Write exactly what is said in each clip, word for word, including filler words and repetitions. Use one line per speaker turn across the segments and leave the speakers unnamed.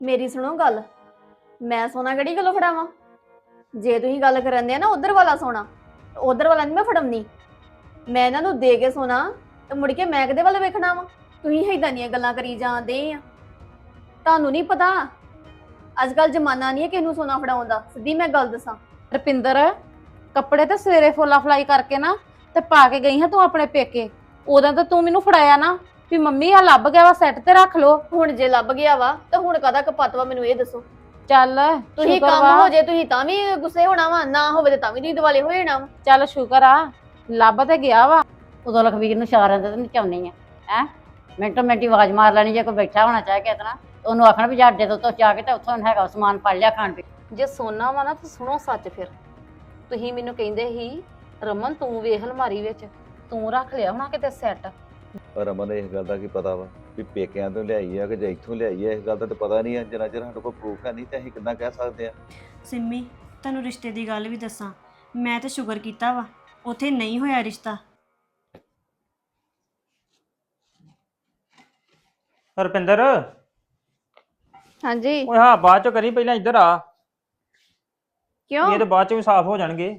ਮੇਰੀ ਸੁਣੋ ਗੱਲ। ਮੈਂ ਸੋਨਾ ਕਿਹੜੀ ਗੱਲੋਂ ਫੜਾਵਾਂ? ਜੇ ਤੁਸੀਂ ਗੱਲ ਕਰਨ ਦੇ ਆ ਨਾ ਉਧਰ ਵਾਲਾ ਸੋਨਾ, ਉਧਰ ਵਾਲਾ ਨਹੀਂ ਮੈਂ ਫੜਮਨੀ। ਮੈਂ ਇਹਨਾਂ ਨੂੰ ਦੇ ਕੇ ਸੋਨਾ ਤੇ ਮੁੜ ਕੇ ਮੈਂ ਕਿਹਦੇ ਵੱਲ ਵੇਖਣਾ ਵਾ? ਤੁਸੀਂ ਏਦਾਂ ਦੀਆਂ ਗੱਲਾਂ ਕਰੀ ਜਾਂਦੇ ਆ। ਤੁਹਾਨੂੰ ਨਹੀਂ ਪਤਾ ਅੱਜ ਕੱਲ ਜ਼ਮਾਨਾ ਨਹੀਂ ਹੈ ਕਿਸੇ ਨੂੰ ਸੋਨਾ ਫੜਾਉਣ ਦਾ। ਸਿੱਧੀ ਮੈਂ ਗੱਲ ਦੱਸਾਂ,
ਰਪਿੰਦਰ, ਕੱਪੜੇ ਤਾਂ ਸਵੇਰੇ ਫੋਲਾ ਫਲਾਈ ਕਰਕੇ ਨਾ ਤੇ ਪਾ ਕੇ ਗਈ ਹਾਂ ਤੂੰ ਆਪਣੇ ਪੇਕੇ। ਉਦੋਂ ਤਾਂ ਤੂੰ ਮੈਨੂੰ ਫੜਾਇਆ ਨਾ ਵੀ ਮੰਮੀ ਆ ਲੱਭ ਗਿਆ ਵਾ, ਸੈੱਟ ਤੇ ਰੱਖ ਲੋ।
ਹੁਣ ਜੇ ਲੱਭ ਗਿਆ ਵਾ ਤਾਂ ਹੁਣ ਕਾਹਦਾ ਕਪੱਤ ਵਾ ਮੈਨੂੰ ਇਹ ਦੱਸੋ।
ਚੱਲ
ਤੁਸੀਂ
ਸ਼ੁਕਰ
ਕੰਮ
ਵਾ,
ਹੋ ਜੇ ਤੁਸੀਂ ਤਾਂ ਵੀ ਗੁੱਸੇ ਹੋਣਾ ਵਾ, ਨਾ ਹੋਵੇ ਤਾਂ ਵੀ ਤੁਸੀਂ ਦਿਵਾਲੇ ਹੋ ਜਾਣਾ ਵਾ।
ਚੱਲ ਸ਼ੁਕਰ ਆ ਲੱਭ ਤੇ ਗਿਆ ਵਾ।
ਉਦੋਂ ਲਖਵੀਰ ਨੂੰ ਇਸ਼ਾਰਿਆਂ ਤੇ ਨਚਾਉਣੀ ਆ ਹੈ। ਮਿੰਟੋ ਮਿੰਟੀ ਆਵਾਜ਼ ਮਾਰ ਲੈਣੀ ਜੇ ਕੋਈ ਬੈਠਾ ਹੋਣਾ ਚਾਹੇ ਕਿਤੇ ਨਾ, ਉਹਨੂੰ ਆਖਣਾ ਵੀ ਜਾ ਅੱਡੇ ਤੋਂ ਉੱਤੋਂ ਜਾ ਕੇ ਤੇ ਉੱਥੋਂ ਹੈਗਾ ਸਮਾਨ ਫੜ ਲਿਆ ਖਾਣ ਪੀ।
ਜੇ ਸੋਨਾ ਵਾ ਨਾ ਤਾਂ ਸੁਣੋ ਸੱਚ। ਫਿਰ ਤੁਸੀਂ ਮੈਨੂੰ ਕਹਿੰਦੇ ਸੀ ਰਮਨ ਤੂੰ ਵੇਖ ਅਲਮਾਰੀ ਵਿੱਚ, ਤੂੰ ਰੱਖ ਲਿਆ ਹੋਣਾ ਕਿਤੇ ਸੈੱਟ।
ਪਰ ਰਮਨ ਨੂੰ ਇਸ ਗੱਲ ਦਾ ਕੀ ਪਤਾ ਵਾ ਵੀ ਪੇਕਿਆਂ ਤੋਂ ਲਿਆਈ ਆ ਕਿ ਜਾਂ ਇੱਥੋਂ ਲਿਆਈ ਆ? ਇਸ ਗੱਲ ਦਾ ਤਾਂ ਪਤਾ ਨਹੀਂ ਆ। ਜਿੰਨਾ ਚਿਰ ਸਾਡੇ ਕੋਲ ਪ੍ਰੂਫ ਹੈ ਨਹੀਂ ਤੇ ਅਸੀਂ ਕਿੱਦਾਂ ਕਹਿ ਸਕਦੇ ਆ।
ਸਿੰਮੀ, ਤੁਹਾਨੂੰ ਰਿਸ਼ਤੇ ਦੀ ਗੱਲ ਵੀ ਦੱਸਾਂ, ਮੈਂ ਤਾਂ ਸ਼ੁਕਰ ਕੀਤਾ ਵਾ ਉੱਥੇ ਨਹੀਂ ਹੋਇਆ ਰਿਸ਼ਤਾ।
ਰੁਪਿੰਦਰ,
ਹਾਂਜੀ
ਓਏ ਹਾਂ ਬਾਅਦ ਚ ਕਰੀ, ਪਹਿਲਾਂ ਇੱਧਰ ਆ।
ਕਿਉਂ?
ਇਹ ਤਾਂ ਬਾਅਦ ਚ ਵੀ ਸਾਫ਼ ਹੋ ਜਾਣਗੇ।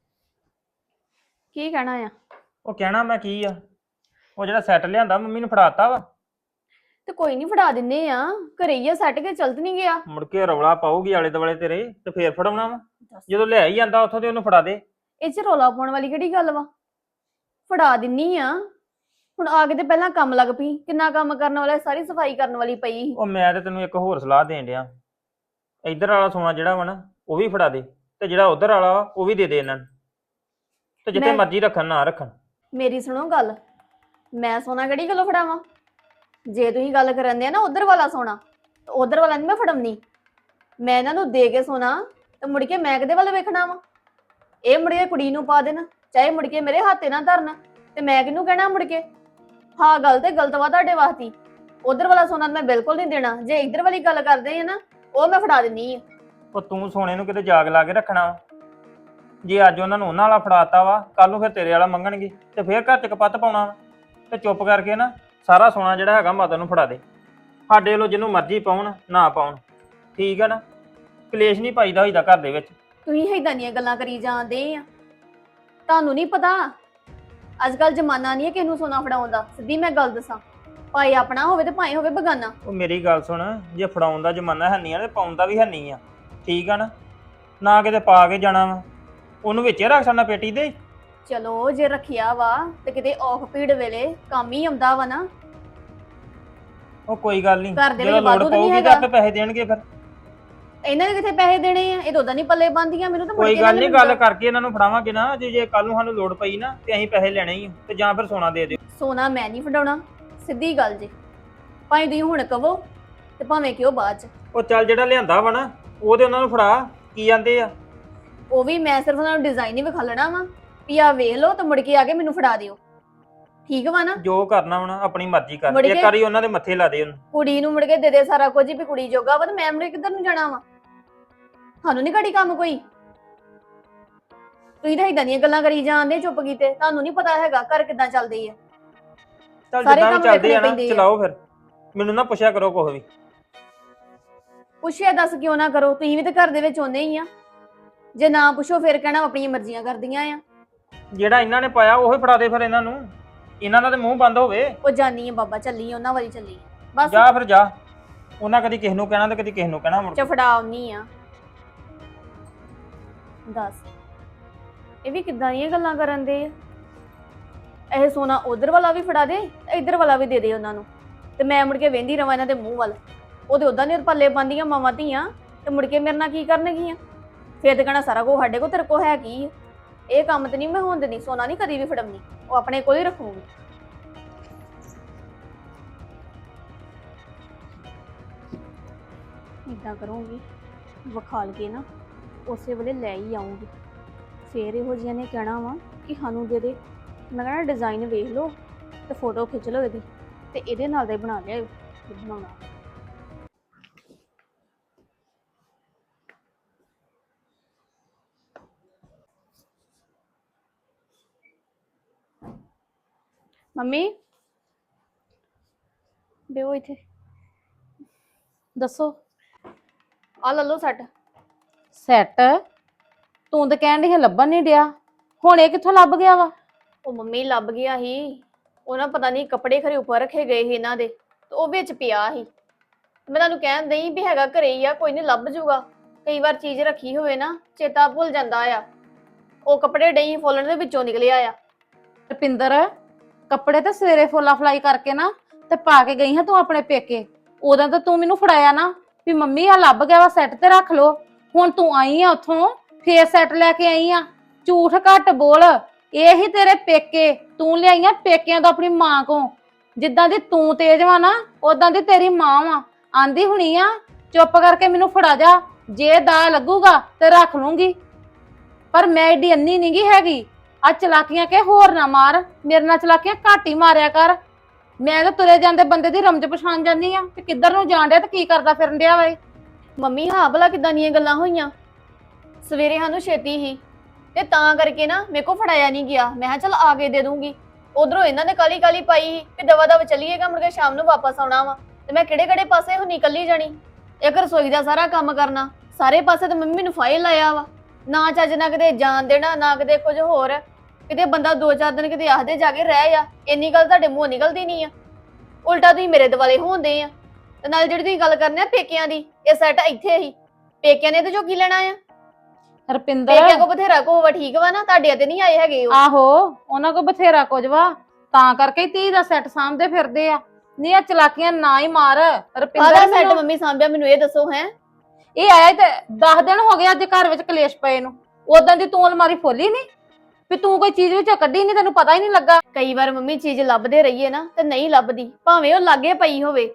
ਕੀ ਕਹਿਣਾ ਆ?
ਉਹ ਕਹਿਣਾ ਮੈਂ ਕੀ ਆ, ਉਹ ਜਿਹੜਾ ਸੈੱਟ ਲਿਆਂਦਾ ਮੰਮੀ ਨੂੰ ਫੜਾਤਾ ਵਾ।
ਤੇ ਕੋਈ ਨਹੀਂ ਫੜਾ ਦਿੰਨੇ ਆ, ਘਰੇ ਹੀ ਆ ਸੱਟ ਕੇ ਚਲਤ ਨਹੀਂ ਗਿਆ।
ਮੁੜ ਕੇ ਰੌਲਾ ਪਾਊਗੀ ਆਲੇ ਦੁਆਲੇ ਤੇਰੇ ਤੇ ਫੇਰ ਫੜਾਉਣਾ ਵਾ। ਜਦੋਂ ਲੈ ਹੀ ਜਾਂਦਾ ਉੱਥੋਂ ਤੇ ਉਹਨੂੰ ਫੜਾ ਦੇ।
ਇਹ ਚ ਰੌਲਾ ਪਾਉਣ ਵਾਲੀ ਕਿਹੜੀ ਗੱਲ ਵਾ? ਫੜਾ ਦਿੰਨੀ ਆ। ਹੁਣ ਆ ਕੇ ਤੇ ਪਹਿਲਾਂ ਕੰਮ ਲੱਗ ਪਈ, ਕਿੰਨਾ ਕੰਮ ਕਰਨ ਵਾਲਾ, ਸਾਰੀ ਸਫਾਈ ਕਰਨ ਵਾਲੀ ਪਈ ਸੀ।
ਉਹ ਮੈਂ ਤੇ ਤੈਨੂੰ ਇੱਕ ਹੋਰ ਸਲਾਹ ਦੇਣ ਡਿਆ, ਇੱਧਰ ਵਾਲਾ ਸੋਨਾ ਜਿਹੜਾ ਵਾ ਨਾ ਉਹ ਵੀ ਫੜਾ ਦੇ, ਤੇ ਜਿਹੜਾ ਉਧਰ ਵਾਲਾ ਵਾ ਉਹ ਵੀ ਦੇ ਦੇ ਇਹਨਾਂ ਨੂੰ, ਤੇ ਜਿੱਥੇ
ਮੈਂ-
ਮਰਜ਼ੀ ਰੱਖਣ ਨਾ ਰੱਖਣ।
ਮੇਰੀ ਸੁਣੋ ਗੱਲ। ਮੈਂ ਸੋਨਾ ਕਿਹੜੀ ਗੱਲੋਂ ਫੜਾਵਾਂ? ਜੇ ਤੁਸੀਂ ਗੱਲ ਕਰਨ ਦੇ ਆ ਨਾ ਉਧਰ ਵਾਲਾ ਸੋਨਾ, ਉਧਰ ਵਾਲਾ ਨਹੀਂ ਮੈਂ ਫੜਮਨੀ। ਮੈਂ ਇਹਨਾਂ ਨੂੰ ਦੇ ਕੇ ਸੋਨਾ ਤੇ ਮੁੜ ਕੇ ਮੈਂ ਕਿਹਦੇ ਵੱਲ ਵੇਖਣਾ ਵਾ? ਇਹ ਮੁੜ ਕੇ ਕੁੜੀ ਨੂੰ ਪਾ ਦੇਣ, ਚਾਹੇ ਮੁੜ ਕੇ ਮੇਰੇ ਹੱਥੇ ਨਾ ਧਰਨ, ਤੇ ਮੈਂ ਕਿਹਨੂੰ ਕਹਿਣਾ ਮੁੜ ਕੇ? ਹਾਂ ਗੱਲ ਤੇ ਗਲਤ ਵਾ ਤੁਹਾਡੇ ਵਾਸਤੇ। ਉਧਰ ਵਾਲਾ ਸੋਨਾ ਮੈਂ ਬਿਲਕੁਲ ਨਹੀਂ ਦੇਣਾ। ਜੇ ਇੱਧਰ ਵਾਲੀ ਗੱਲ ਕਰਦੇ ਆ ਨਾ, ਉਹ ਮੈਂ ਫੜਾ ਦਿੰਨੀ ਆ।
ਉਹ ਤੂੰ ਸੋਨੇ ਨੂੰ ਕਿਤੇ ਜਾਗ ਲਾ ਕੇ ਰੱਖਣਾ ਵਾ। ਜੇ ਅੱਜ ਉਹਨਾਂ ਨੂੰ ਉਹਨਾਂ ਵਾਲਾ ਫੜਾਤਾ ਵਾ, ਕੱਲ ਨੂੰ ਫਿਰ ਤੇਰੇ ਵਾਲਾ ਮੰਗਣਗੇ ਤੇ ਫਿਰ ਘਰ ਚ ਕਪੱਤ ਪਾਉਣਾ ਵਾ। ਤੇ ਚੁੱਪ ਕਰਕੇ ਨਾ ਸਾਰਾ ਸੋਨਾ ਜਿਹੜਾ ਹੈਗਾ ਮਾਤਾ ਨੂੰ ਫੜਾ ਦੇ। ਸਾਡੇ ਵੱਲੋਂ ਜਿਹਨੂੰ ਮਰਜ਼ੀ ਪਾਉਣ ਨਾ ਪਾਉਣ, ਠੀਕ ਆ ਨਾ? ਕਲੇਸ਼ ਨਹੀਂ ਪਾਈਦਾ ਹੋਈਦਾ ਘਰ ਦੇ ਵਿੱਚ।
ਤੁਸੀਂ ਏਦਾਂ ਦੀਆਂ ਗੱਲਾਂ ਕਰੀ ਜਾਂਦੇ ਆ। ਤੁਹਾਨੂੰ ਨਹੀਂ ਪਤਾ ਅੱਜ ਕੱਲ ਜ਼ਮਾਨਾ ਨਹੀਂ ਹੈ ਕਿਸੇ ਨੂੰ ਸੋਨਾ ਫੜਾਉਣ ਦਾ। ਸਿੱਧੀ ਮੈਂ ਗੱਲ ਦੱਸਾਂ, ਭਾਵੇਂ ਆਪਣਾ ਹੋਵੇ ਤੇ ਭਾਵੇਂ ਹੋਵੇ ਬਗਾਨਾ।
ਉਹ ਮੇਰੀ ਗੱਲ ਸੁਣ, ਜੇ ਫੜਾਉਣ ਦਾ ਜ਼ਮਾਨਾ ਹੈ ਨਹੀਂ ਆ ਤੇ ਪਾਉਣ ਦਾ ਵੀ ਹੈ ਨਹੀਂ ਆ, ਠੀਕ ਆ ਨਾ? ਨਾ ਕਿਤੇ ਪਾ ਕੇ ਜਾਣਾ ਵਾ, ਉਹਨੂੰ ਵਿੱਚੇ ਰੱਖ ਛੱਡਣਾ ਪੇਟੀ ਦੇ।
ਚਲੋ ਜੇ ਰੱਖਿਆ ਵਾ ਤੇ ਕਿਤੇ ਔਖ ਪੀੜ ਵੇਲੇ ਕੰਮ ਹੀ ਆਉਂਦਾ ਵਾ ਨਾ।
ਉਹ ਕੋਈ ਗੱਲ ਨਹੀਂ,
ਘਰ ਦੇ
ਜਦੋਂ
ਵਿੱਚ
ਲੋੜ
ਵਾਧੂ ਤਾਂ ਨਹੀਂ
ਪਊਗੀ ਤਾਂ
ਹੈਗਾ।
ਆਪੇ ਪੈਸੇ ਦੇਣਗੇ ਫਿਰ।
ਇਹਨਾਂ ਦੇ ਕਿੱਥੇ ਪੈਸੇ ਦੇਣੇ ਆ? ਇਹ ਤਾਂ ਉਦਾਂ ਨਹੀਂ ਪੱਲੇ ਬੰਦੀਆਂ ਮੈਨੂੰ ਤਾਂ ਮੁੜ
ਕੋਈ
ਕੇ
ਗੱਲ
ਇਹਨਾਂ
ਨਹੀਂ,
ਨੂੰ
ਗੱਲ ਕਰਕੇ ਇਹਨਾਂ ਨੂੰ ਫੜਾਵਾਂਗੇ ਨਾ। ਜੇ ਜੇ ਕੱਲ ਨੂੰ ਸਾਨੂੰ ਲੋੜ ਪਈ ਨਾ ਤੇ ਅਸੀਂ ਪੈਸੇ ਲੈਣੇ ਹੀ ਆ, ਤੇ ਜਾਂ ਫਿਰ ਸੋਨਾ ਦੇ ਦਿਓ।
ਸੋਨਾ ਮੈਂ ਨਹੀਂ ਫੜਾਉਣਾ, ਸਿੱਧੀ ਗੱਲ ਜੇ। ਭਾਵੇਂ ਤੁਸੀਂ ਹੁਣ ਕਹੋ ਤੇ ਭਾਵੇਂ ਕਿਉਂ ਬਾਅਦ ਚ।
ਉਹ ਚੱਲ ਜਿਹੜਾ ਲਿਆਂਦਾ ਵਾ ਨਾ ਉਹ ਤੇ ਉਹਨਾਂ ਨੂੰ ਫੜਾ, ਕੀ ਜਾਂਦੇ ਆ।
ਉਹ ਵੀ ਮੈਂ ਸਿਰਫ ਉਹਨਾਂ ਨੂੰ ਡਿਜ਼ਾਈਨ ਹੀ ਵਿਖਾਲਣਾ ਵਾ ਵੀ ਆ ਵੇਖ ਲਓ ਤੇ ਮੁੜ ਕੇ ਆ ਕੇ ਮੈਨੂੰ ਫੜਾ ਦਿਓ। ਠੀਕ ਵਾ ਨਾ?
ਜੋ ਕਰਨਾ ਵਾ ਨਾ ਆਪਣੀ ਮਰਜ਼ੀ ਕਰ।
ਮੁੜ
ਇੱਕ
ਕੇ-
ਵਾਰੀ ਉਹਨਾਂ ਦੇ ਮੱਥੇ ਲਾ ਦੇ ਉਹਨੂੰ।
ਕੁੜੀ ਨੂੰ ਮੁੜ ਕੇ ਦੇ ਦੇ ਸਾਰਾ ਕੁਝ ਵੀ ਕੁੜੀ ਜੋਗਾ ਵਾ, ਤੇ ਮੈਂ ਮੁੜ ਕੇ ਕਿੱਧਰ ਨੂੰ ਜਾਣਾ ਵਾ? ਤੁਹਾਨੂੰ ਨਹੀਂ ਘੜੀ ਕੰਮ ਕੋਈ? ਤੁਸੀਂ ਤਾਂ ਏਦਾਂ ਦੀਆਂ ਗੱਲਾਂ ਕਰੀ ਜਾਂਦੇ ਚੁੱਪ ਕੀਤੇ। ਤੁਹਾਨੂੰ ਨਹੀਂ ਪਤਾ ਹੈਗਾ ਘਰ ਕਿੱਦਾਂ ਚੱਲਦੇ ਆ।
ਚੱਲ
ਸਾਰੇ
ਜਿੱਦਾਂ ਵੀ
ਕੰਮ
ਚੱਲਦੇ ਆ
ਵੇਖਣੇ
ਨਾ
ਪੈਂਦੇ ਆ।
ਚਲਾਓ ਫਿਰ, ਮੈਨੂੰ ਨਾ ਪੁੱਛਿਆ ਕਰੋ ਕੁਛ ਵੀ।
ਪੁੱਛਿਆ ਦੱਸ ਕਿਉਂ ਨਾ ਕਰੋ? ਤੁਸੀਂ ਵੀ ਤਾਂ ਘਰ ਦੇ ਵਿੱਚ ਆਉਂਦੇ ਹੀ ਆ। ਜੇ ਨਾ ਪੁੱਛੋ ਫਿਰ ਕਹਿਣਾ ਆਪਣੀਆਂ ਮਰਜ਼ੀਆਂ ਕਰਦੀਆਂ ਆ।
ਜਿਹੜਾ ਇਹਨਾਂ ਨੇ ਪਾਇਆ ਉਹੀ ਫੜਾ ਦੇ ਫਿਰ ਇਹਨਾਂ ਨੂੰ। ਇਹਨਾਂ ਦਾ ਤੇ ਮੂੰਹ ਬੰਦ ਹੋਵੇ।
ਉਹ ਜਾਨੀ ਆ ਬਾਬਾ, ਚੱਲੀ ਆ ਉਹਨਾਂ ਵਾਲੀ ਚੱਲੀ ਆ। ਬਸ
ਜਾ ਫਿਰ ਜਾ। ਉਹਨਾਂ ਕਦੀ ਕਿਸੇ ਨੂੰ ਕਹਿਣਾ ਤੇ ਕਦੀ ਕਿਸੇ ਨੂੰ ਕਹਿਣਾ ਮੁੜ ਕੇ।
ਚਫੜਾ ਆਉਣੀ ਆ। ਦੱਸ ਇਹ ਵੀ ਕਿੱਦਾਂ ਦੀਆਂ ਗੱਲਾਂ ਕਰਨ ਦੇ ਆ? ਇਹ ਸੋਨਾ ਉਧਰ ਵਾਲਾ ਵੀ ਫੜਾ ਦੇ, ਇੱਧਰ ਵਾਲਾ ਵੀ ਦੇ ਦੇ ਉਹਨਾਂ ਨੂੰ, ਤੇ ਮੈਂ ਮੁੜ ਕੇ ਵੇਂਦੀ ਰਵਾਂ ਇਹਨਾਂ ਦੇ ਮੂੰਹ ਵੱਲ। ਉਹਦੇ ਉਦਾਂ ਨੇ ਪੱਲੇ ਪਾਉਂਦੀਆਂ ਮਾਵਾਂ ਧੀਆਂ, ਤੇ ਮੁੜ ਕੇ ਮੇਰੇ ਨਾਲ ਕੀ ਕਰਨਗੀਆਂ? ਫੇਰ ਤੇ ਕਹਿਣਾ ਸਾਰਾ ਕੁਝ ਸਾਡੇ ਕੋਲ, ਤੇਰੇ ਕੋਲ ਹੈ ਕੀ ਆ? ਇਹ ਕੰਮ ਤੇ ਨਹੀਂ ਮੈਂ ਹੋਣ ਦਿੰਦੀ। ਸੋਨਾ ਨਹੀਂ ਕਦੀ ਵੀ ਫੜਮਨੀ, ਉਹ ਆਪਣੇ ਕੋਲ ਹੀ ਰੱਖੂਗੀ। ਏਦਾਂ ਕਰੂੰਗੀ, ਵਿਖਾਲ ਕੇ ਨਾ ਉਸੇ ਵੇਲੇ ਲੈ ਹੀ ਆਉਂਗੀ। ਫੇਰ ਇਹੋ ਜਿਹੀਆਂ ਨੇ ਕਹਿਣਾ ਵਾ ਕਿ ਸਾਨੂੰ ਦੇ ਦੇ। ਮੈਂ ਕਹਿਣਾ ਡਿਜ਼ਾਈਨ ਵੇਖ ਲਓ ਤੇ ਫੋਟੋ ਖਿੱਚ ਲਓ ਇਹਦੀ, ਤੇ ਇਹਦੇ ਨਾਲ ਦਾ ਹੀ ਬਣਾ ਲਿਆ ਬਣਾਉਣਾ। ਮੰਮੀ ਬੇਓ ਇੱਥੇ
ਦੱਸੋ।
ਆ ਲੈ ਲਓ ਸੈੱਟ।
ਸੈੱਟ? ਤੂੰ ਤਾਂ ਕਹਿਣ ਡਈ ਸੀ ਲੱਭਣ ਨਹੀਂ ਡਿਆ, ਹੁਣ ਇਹ ਕਿੱਥੋਂ ਲੱਭ ਗਿਆ ਵਾ?
ਉਹ ਮੰਮੀ ਲੱਭ ਗਿਆ ਸੀ, ਉਹ ਨਾ ਪਤਾ ਨਹੀਂ ਕੱਪੜੇ ਖਰੇ ਉੱਪਰ ਰੱਖੇ ਗਏ ਸੀ ਇਹਨਾਂ ਦੇ, ਤੇ ਉਹ ਵਿੱਚ ਪਿਆ ਸੀ। ਮੈਂ ਤੁਹਾਨੂੰ ਕਹਿਣ ਦਈ ਵੀ ਹੈਗਾ ਘਰੇ ਹੀ ਆ, ਕੋਈ ਨਹੀਂ ਲੱਭ ਜੂਗਾ। ਕਈ ਵਾਰ ਚੀਜ਼ ਰੱਖੀ ਹੋਵੇ ਨਾ ਚੇਤਾ ਭੁੱਲ ਜਾਂਦਾ ਆ। ਉਹ ਕੱਪੜੇ ਡਈ ਫੋਲਣ ਦੇ ਵਿੱਚੋਂ ਨਿਕਲਿਆ ਆ।
ਰੁਪਿੰਦਰ, ਕੱਪੜੇ ਤਾਂ ਸਵੇਰੇ ਫੋਲਾ ਫਲਾਈ ਕਰਕੇ ਨਾ ਤੇ ਪਾ ਕੇ ਗਈ ਹਾਂ ਤੂੰ ਆਪਣੇ ਪੇਕੇ। ਉਦੋਂ ਤਾਂ ਤੂੰ ਮੈਨੂੰ ਫੜਾਇਆ ਨਾ ਵੀ ਮੰਮੀ ਆ ਲੱਭ ਗਿਆ ਵਾ ਸੈੱਟ ਤੇ ਰੱਖ ਲੋ। ਹੁਣ ਤੂੰ ਆਈ ਆ ਉੱਥੋਂ ਫੇਰ ਸੈੱਟ ਲੈ ਕੇ ਆਈ ਆ। ਝੂਠ ਘੱਟ ਬੋਲ, ਇਹ ਹੀ ਤੇਰੇ ਪੇਕੇ, ਤੂੰ ਲਿਆਈਆਂ ਪੇਕਿਆਂ ਤੋਂ ਆਪਣੀ ਮਾਂ ਕੋ। ਜਿੱਦਾਂ ਦੀ ਤੂੰ ਤੇਜ਼ ਵਾ ਨਾ ਉਦਾਂ ਦੀ ਤੇਰੀ ਮਾਂ ਵਾ। ਆਂਦੀ ਹੁਣੀ ਆ ਚੁੱਪ ਕਰਕੇ ਮੈਨੂੰ ਫੜਾ ਜਾ, ਜੇ ਦਾ ਲੱਗੂਗਾ ਤੇ ਰੱਖ ਲੂੰਗੀ। ਪਰ ਮੈਂ ਏਡੀ ਅੰਨੀ ਨੀ ਗੀ ਹੈਗੀ। ਆ ਚਲਾਕੀਆਂ ਕੇ ਹੋਰ ਨਾ ਮਾਰ, ਮੇਰੇ ਨਾਲ ਚਲਾਕੀਆਂ ਘੱਟ ਹੀ ਮਾਰਿਆ ਕਰ। ਮੈਂ ਤਾਂ ਤੁਰੇ ਜਾਂਦੇ ਬੰਦੇ ਦੀ ਰਮਜ ਪਛਾਣ ਜਾਂਦੀ ਆ ਕਿ ਕਿੱਧਰ ਨੂੰ ਜਾਣ ਡਿਆ ਤੇ ਕੀ ਕਰਦਾ ਫਿਰਨ ਡਿਆ ਵਾ।
ਮੰਮੀ ਹਾਂ ਭਲਾ ਕਿਦਾਂ ਦੀਆਂ ਗੱਲਾਂ ਹੋਈਆਂ? ਸਵੇਰੇ ਸਾਨੂੰ ਛੇਤੀ ਹੀ ਤੇ ਤਾਂ ਕਰਕੇ ਨਾ ਮੇਰੇ ਕੋ ਫੜਾਇਆ ਨਹੀਂ ਗਿਆ। ਮੈਂ ਕਿਹਾ ਚੱਲ ਆ ਕੇ ਦੇ ਦੂੰਗੀ। ਉਧਰੋਂ ਇਹਨਾਂ ਨੇ ਕਾਲੀ ਕਾਲੀ ਪਾਈ ਸੀ ਕਿ ਦਵਾ ਦਵਾ ਚੱਲੀਏਗਾ, ਮੁੜ ਕੇ ਸ਼ਾਮ ਨੂੰ ਵਾਪਸ ਆਉਣਾ ਵਾ। ਤੇ ਮੈਂ ਕਿਹੜੇ ਕਿਹੜੇ ਪਾਸੇ ਹੁਣ ਨਿਕਲੀ ਜਾਣੀ। ਇੱਕ ਰਸੋਈ ਦਾ ਸਾਰਾ ਕੰਮ ਕਰਨਾ, ਸਾਰੇ ਪਾਸੇ ਤੇ ਮੰਮੀ ਮੈਨੂੰ ਫਾਇਲ ਲਾਇਆ ਵਾ। ਨਾ ਚੱਜ ਨਾ ਕਿਤੇ ਜਾਣ ਦੇਣਾ, ਨਾ ਕਿਤੇ ਕੁਝ ਹੋਰ। ਕਿਤੇ ਬੰਦਾ ਦੋ ਚਾਰ ਦਿਨ ਕਿਤੇ ਆਖਦੇ ਜਾ ਕੇ ਰਹਿ ਆ, ਇੰਨੀ ਗੱਲ ਤੁਹਾਡੇ ਮੂੰਹੋਂ ਨਿਕਲਦੀ ਨਹੀਂ ਆ। ਉਲਟਾ ਤੁਸੀਂ ਮੇਰੇ ਦੁਆਲੇ ਹੁੰਦੇ ਆ। ਤੇ ਨਾਲ ਜਿਹੜੀ ਤੁਸੀਂ ਗੱਲ ਕਰਨੇ ਆ ਪੇਕਿਆਂ ਦੀ, ਇਹ ਸੈੱਟ ਇੱਥੇ ਹੀ ਪੇਕਿਆਂ ਨੇ ਤੇ ਜੋ ਕੀ ਲੈਣਾ ਆ।
ਰੁਪਿੰਦਰ,
ਪੇਕਿਆਂ ਕੋ ਬਥੇਰਾ ਕੋ ਵਾ, ਠੀਕ ਵਾ ਨਾ, ਤੁਹਾਡੇ ਤੇ ਨਹੀਂ ਆਏ ਹੈਗੇ ਉਹ।
ਆਹੋ ਉਹਨਾਂ ਕੋ ਬਥੇਰਾ ਕੁਝ ਵਾ, ਤਾਂ ਕਰਕੇ ਹੀ ਧੀ ਦਾ ਸੈੱਟ ਸਾਂਭਦੇ ਫਿਰਦੇ ਆ। ਨਹੀਂ ਆ ਚਲਾਕੀਆਂ ਨਾ ਹੀ ਮਾਰ ਰੁਪਿੰਦਰ।
ਆਹ ਸੈੱਟ
ਮੈਨੂੰ-
ਮੰਮੀ ਸਾਂਭਿਆ, ਮੈਨੂੰ ਇਹ ਦੱਸੋ ਹੈ।
ਇਹ ਆਇਆ ਤੇ ਦਸ ਦਿਨ ਹੋ ਗਏ ਅੱਜ ਘਰ ਵਿੱਚ ਕਲੇਸ਼ ਪਏ ਨੂੰ। ਉਦੋਂ ਦੀ ਤੂੰ ਅਲਮਾਰੀ ਖੋਲੀ ਨਹੀਂ ਵੀ ਤੂੰ ਕੋਈ ਚੀਜ਼ ਵਿੱਚੋਂ ਕੱਢੀ ਨਹੀਂ, ਤੈਨੂੰ ਪਤਾ ਹੀ ਨਹੀਂ ਲੱਗਾ।
ਕਈ ਵਾਰ ਮੰਮੀ ਚੀਜ਼ ਲੱਭਦੇ ਰਹੀਏ ਨਾ ਤੇ ਨਹੀਂ ਲੱਭਦੀ, ਭਾਵੇਂ ਉਹ ਲਾਗੇ ਪਈ ਹੋਵੇ।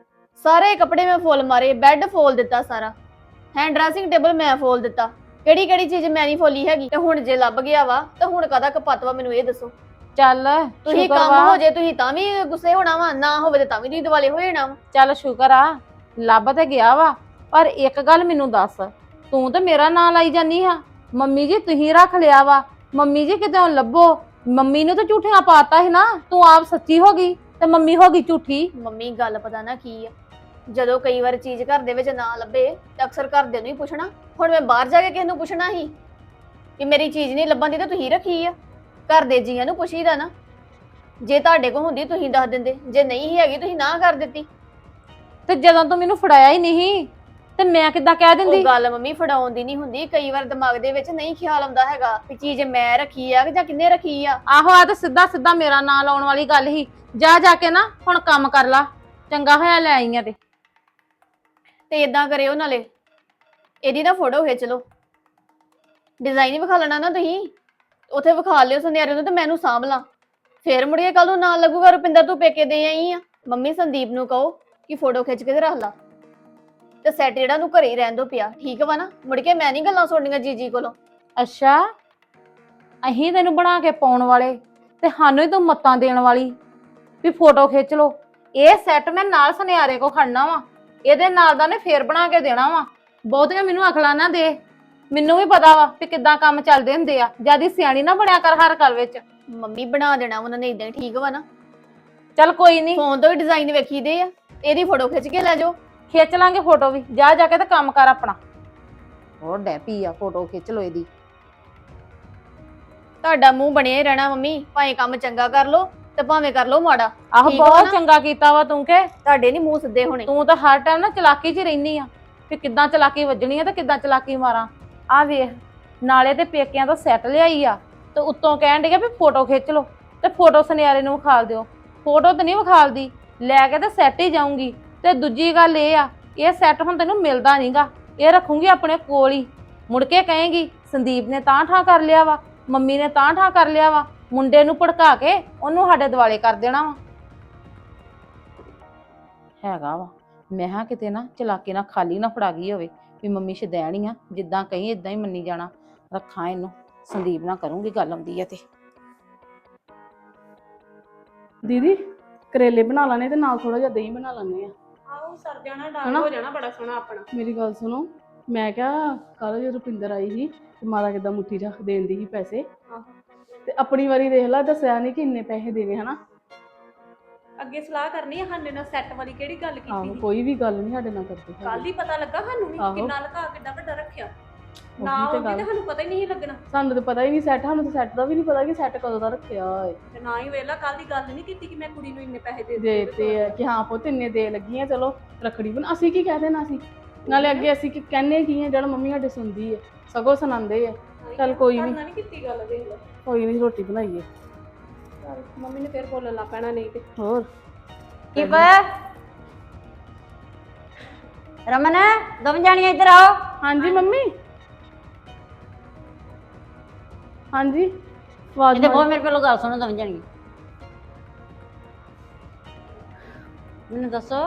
ਸਾਰੇ ਕੱਪੜੇ ਮੈਂ ਫੋਲ ਮਾਰੇ, ਬੈੱਡ ਫੋਲ ਦਿੱਤਾ ਸਾਰਾ, ਹੈਂਡ ਡਰੈਸਿੰਗ ਟੇਬਲ ਮੈਂ ਫੋਲ ਦਿੱਤਾ। ਕਿਹੜੀ ਕਿਹੜੀ ਚੀਜ਼ ਮੈਂ ਨਹੀਂ ਫੋਲੀ ਹੈਗੀ। ਤੇ ਹੁਣ ਜੇ ਲੱਭ ਗਿਆ ਵਾ ਤੇ ਹੁਣ ਕਾਹਦਾ ਕਪੱਤ ਵਾ, ਮੈਨੂੰ ਇਹ ਦੱਸੋ।
ਚੱਲ
ਤੁਸੀਂ
ਸ਼ੁਕਰ
ਕੰਮ
ਵਾ,
ਹੋ ਜੇ ਤੁਸੀਂ ਤਾਂ ਵੀ ਗੁੱਸੇ ਹੋਣਾ ਵਾ, ਨਾ ਹੋਵੇ ਤੇ ਤਾਂ ਵੀ ਤੁਸੀਂ ਦਿਵਾਲੇ ਹੋ ਜਾਣਾ ਵਾ।
ਚੱਲ ਸ਼ੁਕਰ ਆ ਲੱਭ ਤੇ ਗਿਆ ਵਾ। ਪਰ ਇੱਕ ਗੱਲ ਮੈਨੂੰ ਦੱਸ, ਤੂੰ ਤੇ ਮੇਰਾ ਨਾਂ ਲਾਈ ਜਾਨੀ ਆ। ਮੰਮੀ ਜੀ ਤੁਸੀਂ ਰੱਖ ਲਿਆ ਵਾ, ਮੰਮੀ ਜੀ ਕਿਤੇ ਲੱਭੋ। ਮੰਮੀ ਨੂੰ ਤਾਂ ਝੂਠੀਆਂ ਪਾਤਾ ਸੀ ਨਾ, ਤੂੰ ਆਪ ਸੱਚੀ ਹੋ ਗਈ ਤੇ ਮੰਮੀ ਹੋ ਗਈ ਝੂਠੀ।
ਮੰਮੀ ਗੱਲ ਪਤਾ ਨਾ ਕੀ ਆ, ਜਦੋਂ ਕਈ ਵਾਰ ਚੀਜ਼ ਘਰ ਦੇ ਵਿੱਚ ਨਾ ਲੱਭੇ ਤਾਂ ਅਕਸਰ ਘਰਦਿਆਂ ਨੂੰ ਹੀ ਪੁੱਛਣਾ। ਹੁਣ ਮੈਂ ਬਾਹਰ ਜਾ ਕੇ ਕਿਸੇ ਨੂੰ ਪੁੱਛਣਾ ਸੀ ਕਿ ਮੇਰੀ ਚੀਜ਼ ਨਹੀਂ ਲੱਭਣ ਦੀ ਤਾਂ ਤੁਸੀਂ ਰੱਖੀ ਆ। ਘਰ ਦੇ ਜੀਆਂ ਨੂੰ ਪੁੱਛੀਦਾ ਨਾ। ਜੇ ਤੁਹਾਡੇ ਕੋਲ ਹੁੰਦੀ ਤੁਸੀਂ ਦੱਸ ਦਿੰਦੇ, ਜੇ ਨਹੀਂ ਹੈਗੀ ਤੁਸੀਂ ਨਾ ਕਰ ਦਿੱਤੀ।
ਤੇ ਜਦੋਂ ਤੂੰ ਮੈਨੂੰ ਫੜਾਇਆ ਹੀ ਨਹੀਂ ਤੇ ਮੈਂ ਕਿੱਦਾਂ ਕਹਿ ਦਿੰਦੀ?
ਉਹ ਗੱਲ ਮੰਮੀ ਫੜਾਉਣ ਦੀ ਨਹੀਂ ਹੁੰਦੀ। ਕਈ ਵਾਰ ਦਿਮਾਗ ਦੇ ਵਿੱਚ ਨਹੀਂ ਖਿਆਲ ਆਉਂਦਾ ਹੈਗਾ ਕਿ ਚੀਜ਼ ਮੈਂ ਰੱਖੀ ਆ ਕਿ ਜਾਂ ਕਿੰਨੇ ਰੱਖੀ ਆ।
ਆਹੋ ਆ ਤੇ ਸਿੱਧਾ ਸਿੱਧਾ ਮੇਰਾ ਨਾਂ ਲਾਉਣ ਵਾਲੀ ਗੱਲ ਹੀ। ਜਾ ਜਾ ਕੇ ਨਾ ਹੁਣ ਕੰਮ ਕਰ ਲਾ, ਚੰਗਾ ਹੋਇਆ ਲੈ ਆਈਆਂ ਤੇ।
ਤੇ ਇਦਾਂ ਕਰਿਓ, ਨਾਲੇ ਇਹਦੀ ਨਾ ਫੋਟੋ ਖਿੱਚ ਲਓ। ਡਿਜ਼ਾਈਨ ਹੀ ਵਿਖਾ ਲੈਣਾ ਨਾ ਤੁਸੀਂ, ਉੱਥੇ ਵਿਖਾ ਲਿਓ ਸੁਨਿਆਰੇ ਨੂੰ ਤੇ ਮੈਨੂੰ ਸਾਂਭ ਲਾਂ। ਫੇਰ ਮੁੜੀਏ ਕੱਲ ਨੂੰ ਨਾਲ ਲੱਗੂਗਾ ਰੁਪਿੰਦਰ ਤੂੰ ਪੇਕੇ ਦੇ ਆਈ ਆ। ਮੰਮੀ ਸੰਦੀਪ ਨੂੰ ਕਹੋ ਕਿ ਫੋਟੋ ਖਿੱਚ ਕੇ ਤੇ ਰੱਖ ਲਾ, ਤੇ ਸੈੱਟ ਜਿਹੜਾ ਨੂੰ ਘਰੇ ਹੀ ਰਹਿਣ ਦੋ ਪਿਆ, ਠੀਕ ਵਾ ਨਾ। ਮੁੜ ਕੇ ਮੈਂ ਨਹੀਂ ਗੱਲਾਂ ਸੁਣਨੀਆਂ ਜੀਜੀ ਕੋਲੋਂ।
ਅੱਛਾ, ਅਹੀਂ ਤੈਨੂੰ ਬਣਾ ਕੇ ਪਾਉਣ ਵਾਲੇ ਤੇ ਸਾਨੂੰ ਹੀ ਤੂੰ ਮੱਤਾਂ ਦੇਣ ਵਾਲੀ ਵੀ ਫੋਟੋ ਖਿੱਚ ਲੋ। ਇਹ ਸੈੱਟ ਮੈਂ ਨਾਲ ਸੁਨਿਆਰੇ ਕੋ ਖੜਨਾ ਵਾ, ਇਹਦੇ ਨਾਲ ਦਾ ਨੇ ਫੇਰ ਬਣਾ ਕੇ ਦੇਣਾ ਵਾ। ਬਹੁਤੀਆਂ ਮੈਨੂੰ ਅਕਲਾਂ ਨਾ ਦੇ, ਮੈਨੂੰ ਵੀ ਪਤਾ ਵਾ ਵੀ ਕਿੱਦਾਂ ਕੰਮ ਚੱਲਦੇ ਹੁੰਦੇ ਆ। ਜਿਆਦੀ ਸਿਆਣੀ ਨਾ ਬਣਿਆ ਕਰ ਹਰ ਗੱਲ ਵਿੱਚ।
ਮੰਮੀ ਬਣਾ ਦੇਣਾ ਉਹਨਾਂ ਨੇ ਇਦਾਂ, ਠੀਕ ਵਾ ਨਾ।
ਚੱਲ ਕੋਈ ਨਹੀਂ,
ਫੋਨ ਤੋਂ ਹੀ ਡਿਜ਼ਾਈਨ ਵੇਖੀਦੇ ਆ, ਇਹਦੀ ਫੋਟੋ ਖਿੱਚ ਕੇ ਲੈ ਜਾਓ।
ਖਿੱਚ ਲਾਂਗੇ ਫੋਟੋ ਵੀ। ਜਾ ਜਾ ਕੇ ਤੇ ਕੰਮ ਕਰ ਆਪਣਾ। ਹੋਰ ਡੈ ਪੀ ਆ, ਫੋਟੋ ਖਿੱਚ ਲੋ ਇਹਦੀ।
ਤੁਹਾਡਾ ਮੂੰਹ ਬਣਿਆ ਹੀ ਰਹਿਣਾ ਮੰਮੀ, ਭਾਵੇਂ ਕੰਮ ਚੰਗਾ ਕਰ ਲੋ ਤੇ ਭਾਵੇਂ ਕਰ ਲੋ ਮਾੜਾ।
ਆਹੋ
ਠੀਕ ਵਾ
ਬਹੁਤ
ਨਾ?
ਚੰਗਾ ਕੀਤਾ ਵਾ ਤੂੰ ਕੇ।
ਤੁਹਾਡੇ ਨਹੀਂ ਮੂੰਹ ਸਿੱਧੇ ਹੋਣੇ।
ਤੂੰ ਤਾਂ ਹਰ ਟਾਈਮ ਨਾ ਚਲਾਕੀ 'ਚ ਹੀ ਰਹਿਨੀ ਆ ਵੀ ਕਿੱਦਾਂ ਚਲਾਕੀ ਵੱਜਣੀ ਆ ਤੇ ਕਿੱਦਾਂ ਚਲਾਕੀ ਮਾਰਾਂ। ਆ ਵੇਖ, ਨਾਲੇ ਤੇ ਪੇਕਿਆਂ ਤੋਂ ਸੈੱਟ ਲਿਆਈ ਆ ਤੇ ਉੱਤੋਂ ਕਹਿਣ ਡਿਆ ਵੀ ਫੋਟੋ ਖਿੱਚ ਲੋ, ਤੇ ਫੋਟੋ ਸੁਨਿਆਰੇ ਨੂੰ ਵਿਖਾਲ ਦਿਓ। ਫੋਟੋ ਤਾਂ ਨਹੀਂ ਵਿਖਾਲਦੀ, ਲੈ ਕੇ ਤੇ ਸੈੱਟ ਹੀ ਜਾਊਂਗੀ। ਤੇ ਦੂਜੀ ਗੱਲ ਇਹ ਆ, ਇਹ ਸੈੱਟ ਹੁਣ ਤੈਨੂੰ ਮਿਲਦਾ ਨਹੀਂਗਾ, ਇਹ ਰੱਖੂੰਗੀ ਆਪਣੇ ਕੋਲ ਹੀ। ਮੁੜ ਕੇ ਕਹੇਂਗੀ ਸੰਦੀਪ ਨੇ ਤਾਂ ਠਾ ਕਰ ਲਿਆ ਵਾ, ਮੰਮੀ ਨੇ ਤਾਂ ਠਾ ਕਰ ਲਿਆ ਵਾ। ਮੁੰਡੇ ਨੂੰ ਭੜਕਾ ਕੇ ਉਹਨੂੰ ਸਾਡੇ ਦਿਵਾਲੇ ਕਰ ਦੇਣਾ ਵਾ। ਹੈਗਾ ਵਾ, ਮੈਂ ਹਾਂ ਕਿਤੇ ਨਾ ਚਲਾਕੀ ਨਾ ਖਾਲੀ ਨਾ ਫੜਾ ਗਈ ਹੋਵੇ ਵੀ ਮੰਮੀ ਸ਼ਦੈਣੀ ਆ, ਜਿੱਦਾਂ ਕਹੀਂ ਇਦਾਂ ਹੀ ਮੰਨੀ ਜਾਣਾ। ਰੱਖਾਂ ਇਹਨੂੰ, ਸੰਦੀਪ ਨਾਲ ਕਰੂੰਗੀ ਗੱਲ ਆਉਂਦੀ ਆ ਤੇ।
ਦੀਦੀ ਕਰੇਲੇ ਬਣਾ ਲਾਣੇ ਤੇ ਨਾਲ ਥੋੜਾ ਜਿਹਾ ਦਹੀਂ ਬਣਾ ਲਾਣੇ ਆ।
ਆਹੋ ਸਰ ਜਾਣਾ,
ਹਨਾ?
ਡਾਲ ਹੋ ਜਾਣਾ ਬੜਾ ਸੋਹਣਾ ਆਪਣਾ।
ਮੇਰੀ ਗੱਲ ਸੁਣੋ, ਮੈਂ ਕਿਹਾ ਕੱਲ ਜਦੋਂ ਰੁਪਿੰਦਰ ਆਈ ਸੀ ਤੇ ਮਾਤਾ ਕਿੱਦਾਂ ਮੁੱਠੀ ਰੱਖ ਦੇਂਦੀ ਸੀ ਪੈਸੇ,
ਆਹੋ
ਤੇ ਆਪਣੀ ਵਾਰੀ ਦੇਖ ਲਾ, ਦੱਸਿਆ ਨਹੀਂ ਕਿ ਇੰਨੇ ਪੈਸੇ ਦੇਣੇ। ਹਨਾ,
ਅੱਗੇ ਸਲਾਹ ਕਰਨੀ ਆ ਸਾਡੇ ਨਾਲ ਸੈੱਟ ਵਾਲੀ ਕਿਹੜੀ ਗੱਲ ਕੀਤੀ
ਆਹੋ
ਸੀ
ਕੋਈ ਵੀ ਗੱਲ ਨਹੀਂ ਸਾਡੇ ਨਾਲ ਕਰਦੇ ਹੈਗੇ।
ਕੱਲ ਹੀ ਪਤਾ ਲੱਗਾ ਸਾਨੂੰ ਵੀ
ਆਹੋ।
ਕਿੰਨਾ ਲਗਾ ਕਿੱਡਾ ਵੱਡਾ ਰੱਖਿਆ
ਉਹੀ
ਨਾ
ਤੇ
ਹੁੰਦੀ
ਗੱਲ।
ਤੇ ਸਾਨੂੰ ਪਤਾ ਹੀ ਨਹੀਂ ਸੀ ਲੱਗਣਾ
ਸਾਨੂੰ ਤਾਂ ਪਤਾ ਹੀ ਨਹੀਂ ਸੈੱਟ ਸਾਨੂੰ ਤਾਂ ਸੈੱਟ ਦਾ ਵੀ ਨਹੀਂ ਪਤਾ ਕਿ ਸੈੱਟ ਕਦੋਂ ਦਾ ਰੱਖਿਆ ਏ
ਤੇ ਨਾ ਹੀ ਵੇਲਾ ਕੱਲ ਦੀ ਗੱਲ ਨਹੀਂ ਕੀਤੀ ਕਿ ਮੈਂ ਕੁੜੀ ਨੂੰ ਇੰਨੇ ਪੈਸੇ ਦੇ
ਦੇ
ਦਿੱਤੇ
ਤੇ ਕਿ ਹਾਂ ਪੁੱਤ ਇੰਨੇ ਦੇ ਲੱਗੀਆਂ ਚਲੋ ਰੱਖੜੀ ਬਣ ਅਸੀਂ ਕੀ ਕਹਿ ਦੇਣਾ ਸੀ ਨਾਲੇ ਅੱਗੇ ਅਸੀਂ ਕੀ ਕਹਿੰਨੇ ਕੀ ਆ ਜਿਹੜਾ ਮੰਮੀ ਸਾਡੇ ਸੁਣਦੀ ਹੈ ਸਗੋਂ ਸੁਣਾਉਂਦੇ ਆ ਚੱਲ ਕੋਈ ਨੀ।
ਨਹੀਂ ਕੀਤੀ ਗੱਲ ਦੇਖ ਲਓ
ਕੋਈ ਨਹੀਂ ਰੋਟੀ ਬਣਾਈਏ
ਚੱਲ ਮੰਮੀ ਨੇ ਫੇਰ ਬੋਲਣ ਲੱਗ ਪੈਣਾ ਨਹੀਂ ਤੇ
ਹੋਰ
ਕੀ ਪਾ ਰਮਨ ਦੋਵੇਂ ਜਾਣੀਆਂ ਇੱਧਰ ਆਓ।
ਹਾਂਜੀ ਮੰਮੀ ਹਾਂਜੀ ਆਵਾਜ਼
ਇੱਥੇ ਬਹੁਤ
ਮਾਰੀ।
ਮੇਰੇ ਕੋਲੋਂ ਗੱਲ ਸੁਣੋ ਦੋਵੇਂ ਜਾਣੀਆਂ। ਮੈਨੂੰ ਦੱਸੋ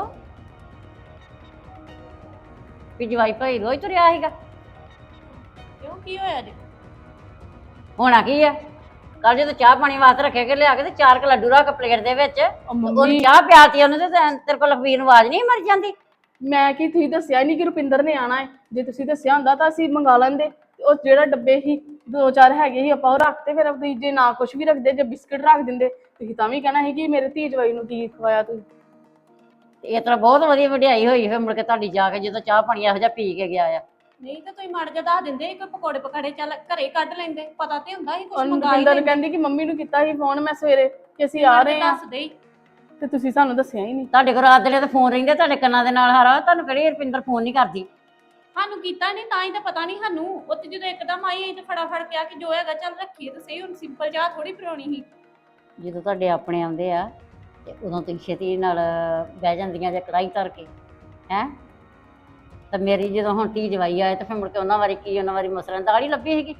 ਵੀ ਜਵਾਈ ਭਾਈ ਰੋਜ਼ ਤੁਰਿਆ ਸੀਗਾ
ਕਿਉਂ ਕੀ ਹੋਇਆ ਜੀ
ਹੋਣਾ ਕੀ ਆ ਕੱਲ ਜਦੋਂ ਚਾਹ ਪਾਣੀ ਵਾਸਤੇ ਰੱਖੇ ਕੇ ਲਿਆ ਕੇ ਤੇ ਚਾਰ ਕ ਲੱਡੂ ਰੱਖ ਪਲੇਟ ਦੇ ਵਿੱਚ
ਉਹ
ਉਹਨੂੰ
ਮੰਮੀ
ਚਾਹ ਪਿਆਤੀ ਉਹਨੂੰ ਤੇ ਤੈਨੂੰ- ਤੇਰੇ ਕੋਲ ਲਖਵੀਰ ਨੂੰ ਆਵਾਜ਼ ਨਹੀਂ ਮਰ ਜਾਂਦੀ।
ਮੈਂ ਕੀ ਤੁਸੀਂ ਦੱਸਿਆ ਨਹੀਂ ਕਿ ਰੁਪਿੰਦਰ ਨੇ ਆਣਾ ਹੈ ਜੇ ਤੁਸੀਂ ਦੱਸਿਆ ਹੁੰਦਾ ਤਾਂ ਅਸੀਂ ਮੰਗਾ ਲੈਂਦੇ ਉਹ ਜਿਹੜਾ ਡੱਬੇ ਸੀ ਦੋ ਚਾਰ ਹੈਗੇ ਸੀ ਆਪਾਂ ਉਹ ਰੱਖਤੇ ਫਿਰ ਤੁਸੀਂ ਜੇ ਨਾ ਕੁਝ ਵੀ ਰੱਖਦੇ ਜੇ ਬਿਸਕਟ ਰੱਖ ਦਿੰਦੇ ਤੁਸੀਂ ਤਾਂ ਵੀ ਕਹਿਣਾ ਸੀ ਕਿ ਮੇਰੇ ਧੀ ਜਵਾਈ ਨੂੰ ਕੀ ਖਵਾਇਆ ਤੁਸੀਂ
ਇਹ ਤਰ੍ਹਾਂ ਬਹੁਤ ਵਧੀਆ ਵਡਿਆਈ ਹੋਈ ਫਿਰ ਮੁੜ ਕੇ ਤੁਹਾਡੀ ਜਾ ਕੇ ਜਦੋਂ ਚਾਹ ਪਾਣੀ ਇਹੋ ਜਿਹਾ ਪੀ ਕੇ ਗਿਆ ਆ।
ਨਹੀਂ ਤਾਂ ਤੁਸੀਂ ਮੜ ਜਾ ਦੱਸ ਦਿੰਦੇ ਕੋਈ ਪਕੌੜੇ ਪਕਾੜੇ ਚੱਲ ਘਰੇ ਕੱਢ ਲੈਂਦੇ ਪਤਾ ਤੇ ਹੁੰਦਾ ਸੀ ਕੁਝ
ਔਰ
ਮੰਗਾ ਹੀ
ਰੁਪਿੰਦਰ
ਲੈਂਦੇ
ਕਹਿੰਦੀ ਕਿ ਮੰਮੀ ਨੂੰ ਕੀਤਾ ਸੀ ਫੋਨ ਮੈਂ ਸਵੇਰੇ ਕਿ ਅਸੀਂ ਆ ਰਹੇ ਹਾਂ
ਦੱਸ ਦੇ
ਤੇ ਤੁਸੀਂ ਸਾਨੂੰ ਦੱਸਿਆ ਹੀ ਨਹੀਂ
ਤੁਹਾਡੇ ਕੋਲ ਰਾਤ ਦੇ ਤੇ ਫੋਨ ਰਹਿੰਦੇ ਤੁਹਾਡੇ ਕੰਨਾਂ ਦੇ ਨਾਲ ਹਾਰਾ ਤੁਹਾਨੂੰ ਕਿਹੜੀ ਰੁਪਿੰਦਰ ਫੋਨ ਨਹੀਂ ਕਰਦੀ।
ਸਾਨੂੰ ਕੀਤਾ ਨਹੀਂ ਤਾਂ ਹੀ ਤਾਂ ਪਤਾ ਨਹੀਂ ਸਾਨੂੰ ਉੱਥੇ ਜਦੋਂ ਇੱਕਦਮ ਆਈ ਅਸੀਂ ਤਾਂ ਫਟਾਫਟ ਕਿਹਾ ਕਿ ਜੋ ਹੈਗਾ ਚੱਲ ਰੱਖੀਏ ਤਾਂ ਸਹੀ ਹੁਣ ਸਿੰਪਲ ਚਾਹ ਥੋੜੀ ਪਿਉਣੀ ਸੀ
ਜਦੋਂ ਤੁਹਾਡੇ ਆਪਣੇ ਆਉਂਦੇ ਆ ਤੇ ਉਦੋਂ ਤੁਸੀਂ ਛੇਤੀ ਨਾਲ ਬਹਿ ਜਾਂਦੀਆਂ ਜੇ ਕੜਾਈ ਧਰ ਕੇ ਹੈ ਤਾਂ ਮੇਰੀ ਜਦੋਂ ਹੁਣ ਧੀ ਜਵਾਈ ਆਏ ਤਾਂ ਫਿਰ ਮੁੜ ਕੇ ਉਹਨਾਂ ਵਾਰੀ ਕੀ ਉਹਨਾਂ ਵਾਰੀ ਮਸਰਾਂ ਦੀ ਦਾਲ ਹੀ ਲੱਭੀ ਸੀਗੀ।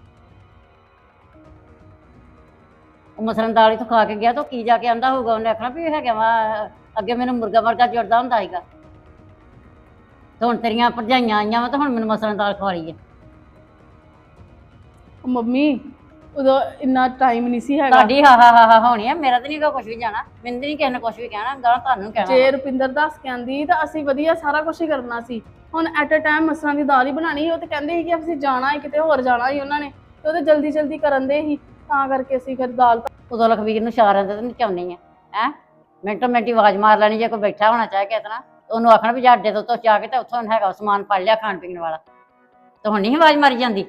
ਉਹ ਮਸਰਾਂ ਦੀ ਦਾਲ ਹੀ ਤੋਂ ਖਾ ਕੇ ਗਿਆ ਤਾਂ ਉਹ ਕੀ ਜਾ ਕੇ ਆਂਦਾ ਹੋਊਗਾ ਉਹਨੇ ਆਖਣਾ ਵੀ ਹੈਗਾ ਵਾ ਅੱਗੇ ਮੈਨੂੰ ਮੁਰਗਾ ਮਰਗਾ ਜੁੜਦਾ ਹੁੰਦਾ ਸੀਗਾ ਤੇ ਹੁਣ ਤੇਰੀਆਂ ਭਰਜਾਈਆਂ ਆਈਆਂ ਵਾ ਤਾਂ ਹੁਣ ਮੈਨੂੰ ਮਸਰਾਂ ਦੀ ਦਾਲ ਖਵਾਲੀ ਹੈ।
ਉਹ ਮੰਮੀ ਉਦੋਂ ਇੰਨਾ ਟਾਈਮ ਨਹੀਂ ਸੀ ਹੈਗਾ
ਤੁਹਾਡੀ ਹਾ ਹਾ ਹਾ ਹਾ ਹੋਣੀ ਆ ਮੇਰਾ ਤਾਂ ਨਹੀਂ ਕੁਝ ਵੀ ਜਾਣਾ ਮੈਨੂੰ ਤਾਂ ਨਹੀਂ ਕਿਸੇ ਨੇ ਕੁਝ ਵੀ ਕਹਿਣਾ ਗਾਲਾਂ ਤੁਹਾਨੂੰ ਕਹਿਣਾ
ਜੇ ਰੁਪਿੰਦਰ ਦੱਸ ਕੇ ਆਂਦੀ ਤਾਂ ਅਸੀਂ ਵਧੀਆ ਸਾਰਾ ਕੁਝ ਹੀ ਕਰਨਾ ਸੀ ਹੁਣ ਐਟ ਅ ਟਾਈਮ ਮਸਰਾਂ ਦੀ ਦਾਲ ਹੀ ਬਣਾਣੀ ਉਹ ਤੇ ਕਹਿੰਦੇ ਸੀ ਕਿ ਅਸੀਂ ਜਾਣਾ ਹੈ ਕਿਤੇ ਹੋਰ ਜਾਣਾ ਹੀ ਉਹਨਾਂ ਨੇ ਤੇ ਉਹ ਤੇ ਜਲਦੀ ਜਲਦੀ ਕਰਨ ਦੇ ਸੀ ਤਾਂ ਕਰਕੇ ਅਸੀਂ ਫਿਰ ਦਾਲ
ਉਦੋਂ ਲਖਵੀਰ ਨੂੰ ਇਸ਼ਾਰਿਆਂ ਤੇ ਨਚਾਉਣੀ ਆ ਹੈ ਮਿੰਟੋ ਮਿੰਟੀ ਆਵਾਜ਼ ਮਾਰ ਲੈਣੀ ਜੇ ਕੋਈ ਬੈਠਾ ਹੋਣਾ ਚਾਹੇ ਕਿਸੇ ਤਰ੍ਹਾਂ ਉਹਨੂੰ ਆਖਣਾ ਵੀ ਜਾ ਅੱਡੇ ਤੋਂ ਉੱਤੋਂ ਜਾ ਕੇ ਤੇ ਉੱਥੋਂ ਹੈਗਾ ਸਮਾਨ ਫੜ ਲਿਆ ਖਾਣ ਪੀਣ ਵਾਲਾ ਤੇ ਹੁਣ ਨਹੀਂ ਆਵਾਜ਼ ਮਾਰੀ ਜਾਂਦੀ।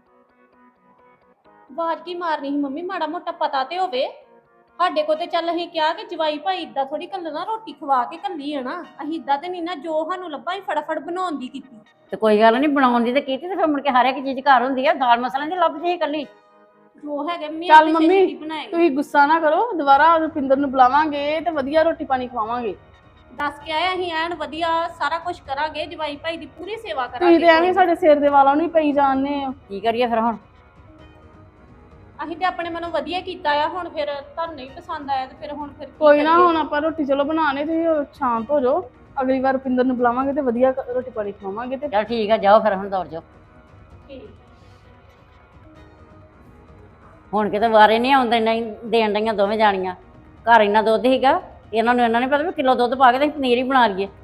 ਆਵਾਜ਼ ਕੀ ਮਾਰਨੀ ਸੀ ਮੰਮੀ ਮਾੜਾ ਮੋਟਾ ਪਤਾ ਤੇ ਹੋਵੇ ਸਾਡੇ ਕੋ ਤੇ ਚੱਲ ਅਸੀਂ ਕਿਹਾ ਕਿ ਜਵਾਈ ਭਾਈ ਇਦਾਂ ਥੋੜੀ ਕੱਲਣਾ ਰੋਟੀ ਖਵਾ ਕੇ ਕੱਲੀ ਆ ਨਾ ਅਸੀਂ ਇਦਾਂ ਤੇ ਨਹੀਂ ਨਾ ਜੋ ਸਾਨੂੰ ਲੱਭਾ ਹੀ ਫਟਾਫਟ ਬਣਾਉਣ ਦੀ ਕੀਤੀ
ਤੇ ਕੋਈ ਗੱਲ ਨਹੀਂ ਬਣਾਉਣ ਦੀ ਤੇ ਕੀਤੀ ਤੇ ਫਿਰ ਮੁੜ ਕੇ ਹਰ ਇੱਕ ਚੀਜ਼ ਘਰ ਹੁੰਦੀ ਆ ਦਾਲ ਮਸਾਲਾਂ ਦੀ ਲੱਭਦੀ ਸੀ ਇਕੱਲੀ
ਜੋ ਹੈਗਾ ਮੈਂ
ਚੱਲ
ਆਪੇ
ਮੰਮੀ,
ਛੇਤੀ ਬਣਾਏ
ਤੁਸੀਂ ਗੁੱਸਾ ਨਾ ਕਰੋ ਦੁਬਾਰਾ ਰੁਪਿੰਦਰ ਨੂੰ ਬੁਲਾਵਾਂਗੇ ਤੇ ਵਧੀਆ ਰੋਟੀ ਪਾਣੀ ਖਵਾਵਾਂਗੇ
ਦੱਸ ਕੇ ਆਏ ਅਸੀਂ ਐਨ ਵਧੀਆ ਸਾਰਾ ਕੁਝ ਕਰਾਂਗੇ ਜਵਾਈ ਭਾਈ ਦੀ ਪੂਰੀ ਸੇਵਾ
ਤੁਸੀਂ
ਕਰਾਂਗੇ
ਤੇ ਐਵੇਂ ਸਾਡੇ ਸਿਰ ਦੇ ਵਾਲਾਂ ਨੂੰ ਹੀ ਪਈ ਜਾਣਦੇ ਹੋ
ਕੀ ਕਰੀਏ ਫਿਰ ਹੁਣ
ਅਸੀਂ ਤੇ ਆਪਣੇ ਮਨੋਂ ਵਧੀਆ ਕੀਤਾ ਆ ਹੁਣ ਫਿਰ ਤੁਹਾਨੂੰ ਨਹੀਂ ਪਸੰਦ ਆਇਆ ਤੇ ਫਿਰ ਹੁਣ ਫਿਰ ਕੀ
ਕੋਈ ਨਾ
ਕਰੀਏ?
ਹੁਣ ਆਪਾਂ ਰੋਟੀ ਚਲੋ ਬਣਾਣੇ ਤੁਸੀਂ ਸ਼ਾਂਤ ਹੋ ਜਾਓ ਅਗਲੀ ਵਾਰ ਰੁਪਿੰਦਰ ਨੂੰ ਬੁਲਾਵਾਂਗੇ ਤੇ ਵਧੀਆ ਰੋਟੀ ਪਾਣੀ ਖਵਾਵਾਂਗੇ ਤੇ
ਚੱਲ ਠੀਕ ਆ ਜਾਓ ਫਿਰ ਹੁਣ ਦੌੜ ਜਾਓ
ਠੀਕ।
ਹੁਣ ਕਿਤੇ ਵਾਰੇ ਨਹੀਂ ਆਉਂਦੇ ਨਹੀਂ ਦੇਣ ਡਈਆਂ ਦੋਵੇਂ ਜਾਣੀਆਂ ਘਰ ਇੰਨਾ ਦੁੱਧ ਸੀਗਾ ਇਹਨਾਂ ਨੂੰ ਇਹਨਾਂ ਨੇ ਪਤਾ ਵੀ ਕਿਲੋ ਦੁੱਧ ਪਾ ਕੇ ਤੇ ਪਨੀਰ ਹੀ ਬਣਾ ਲਈਏ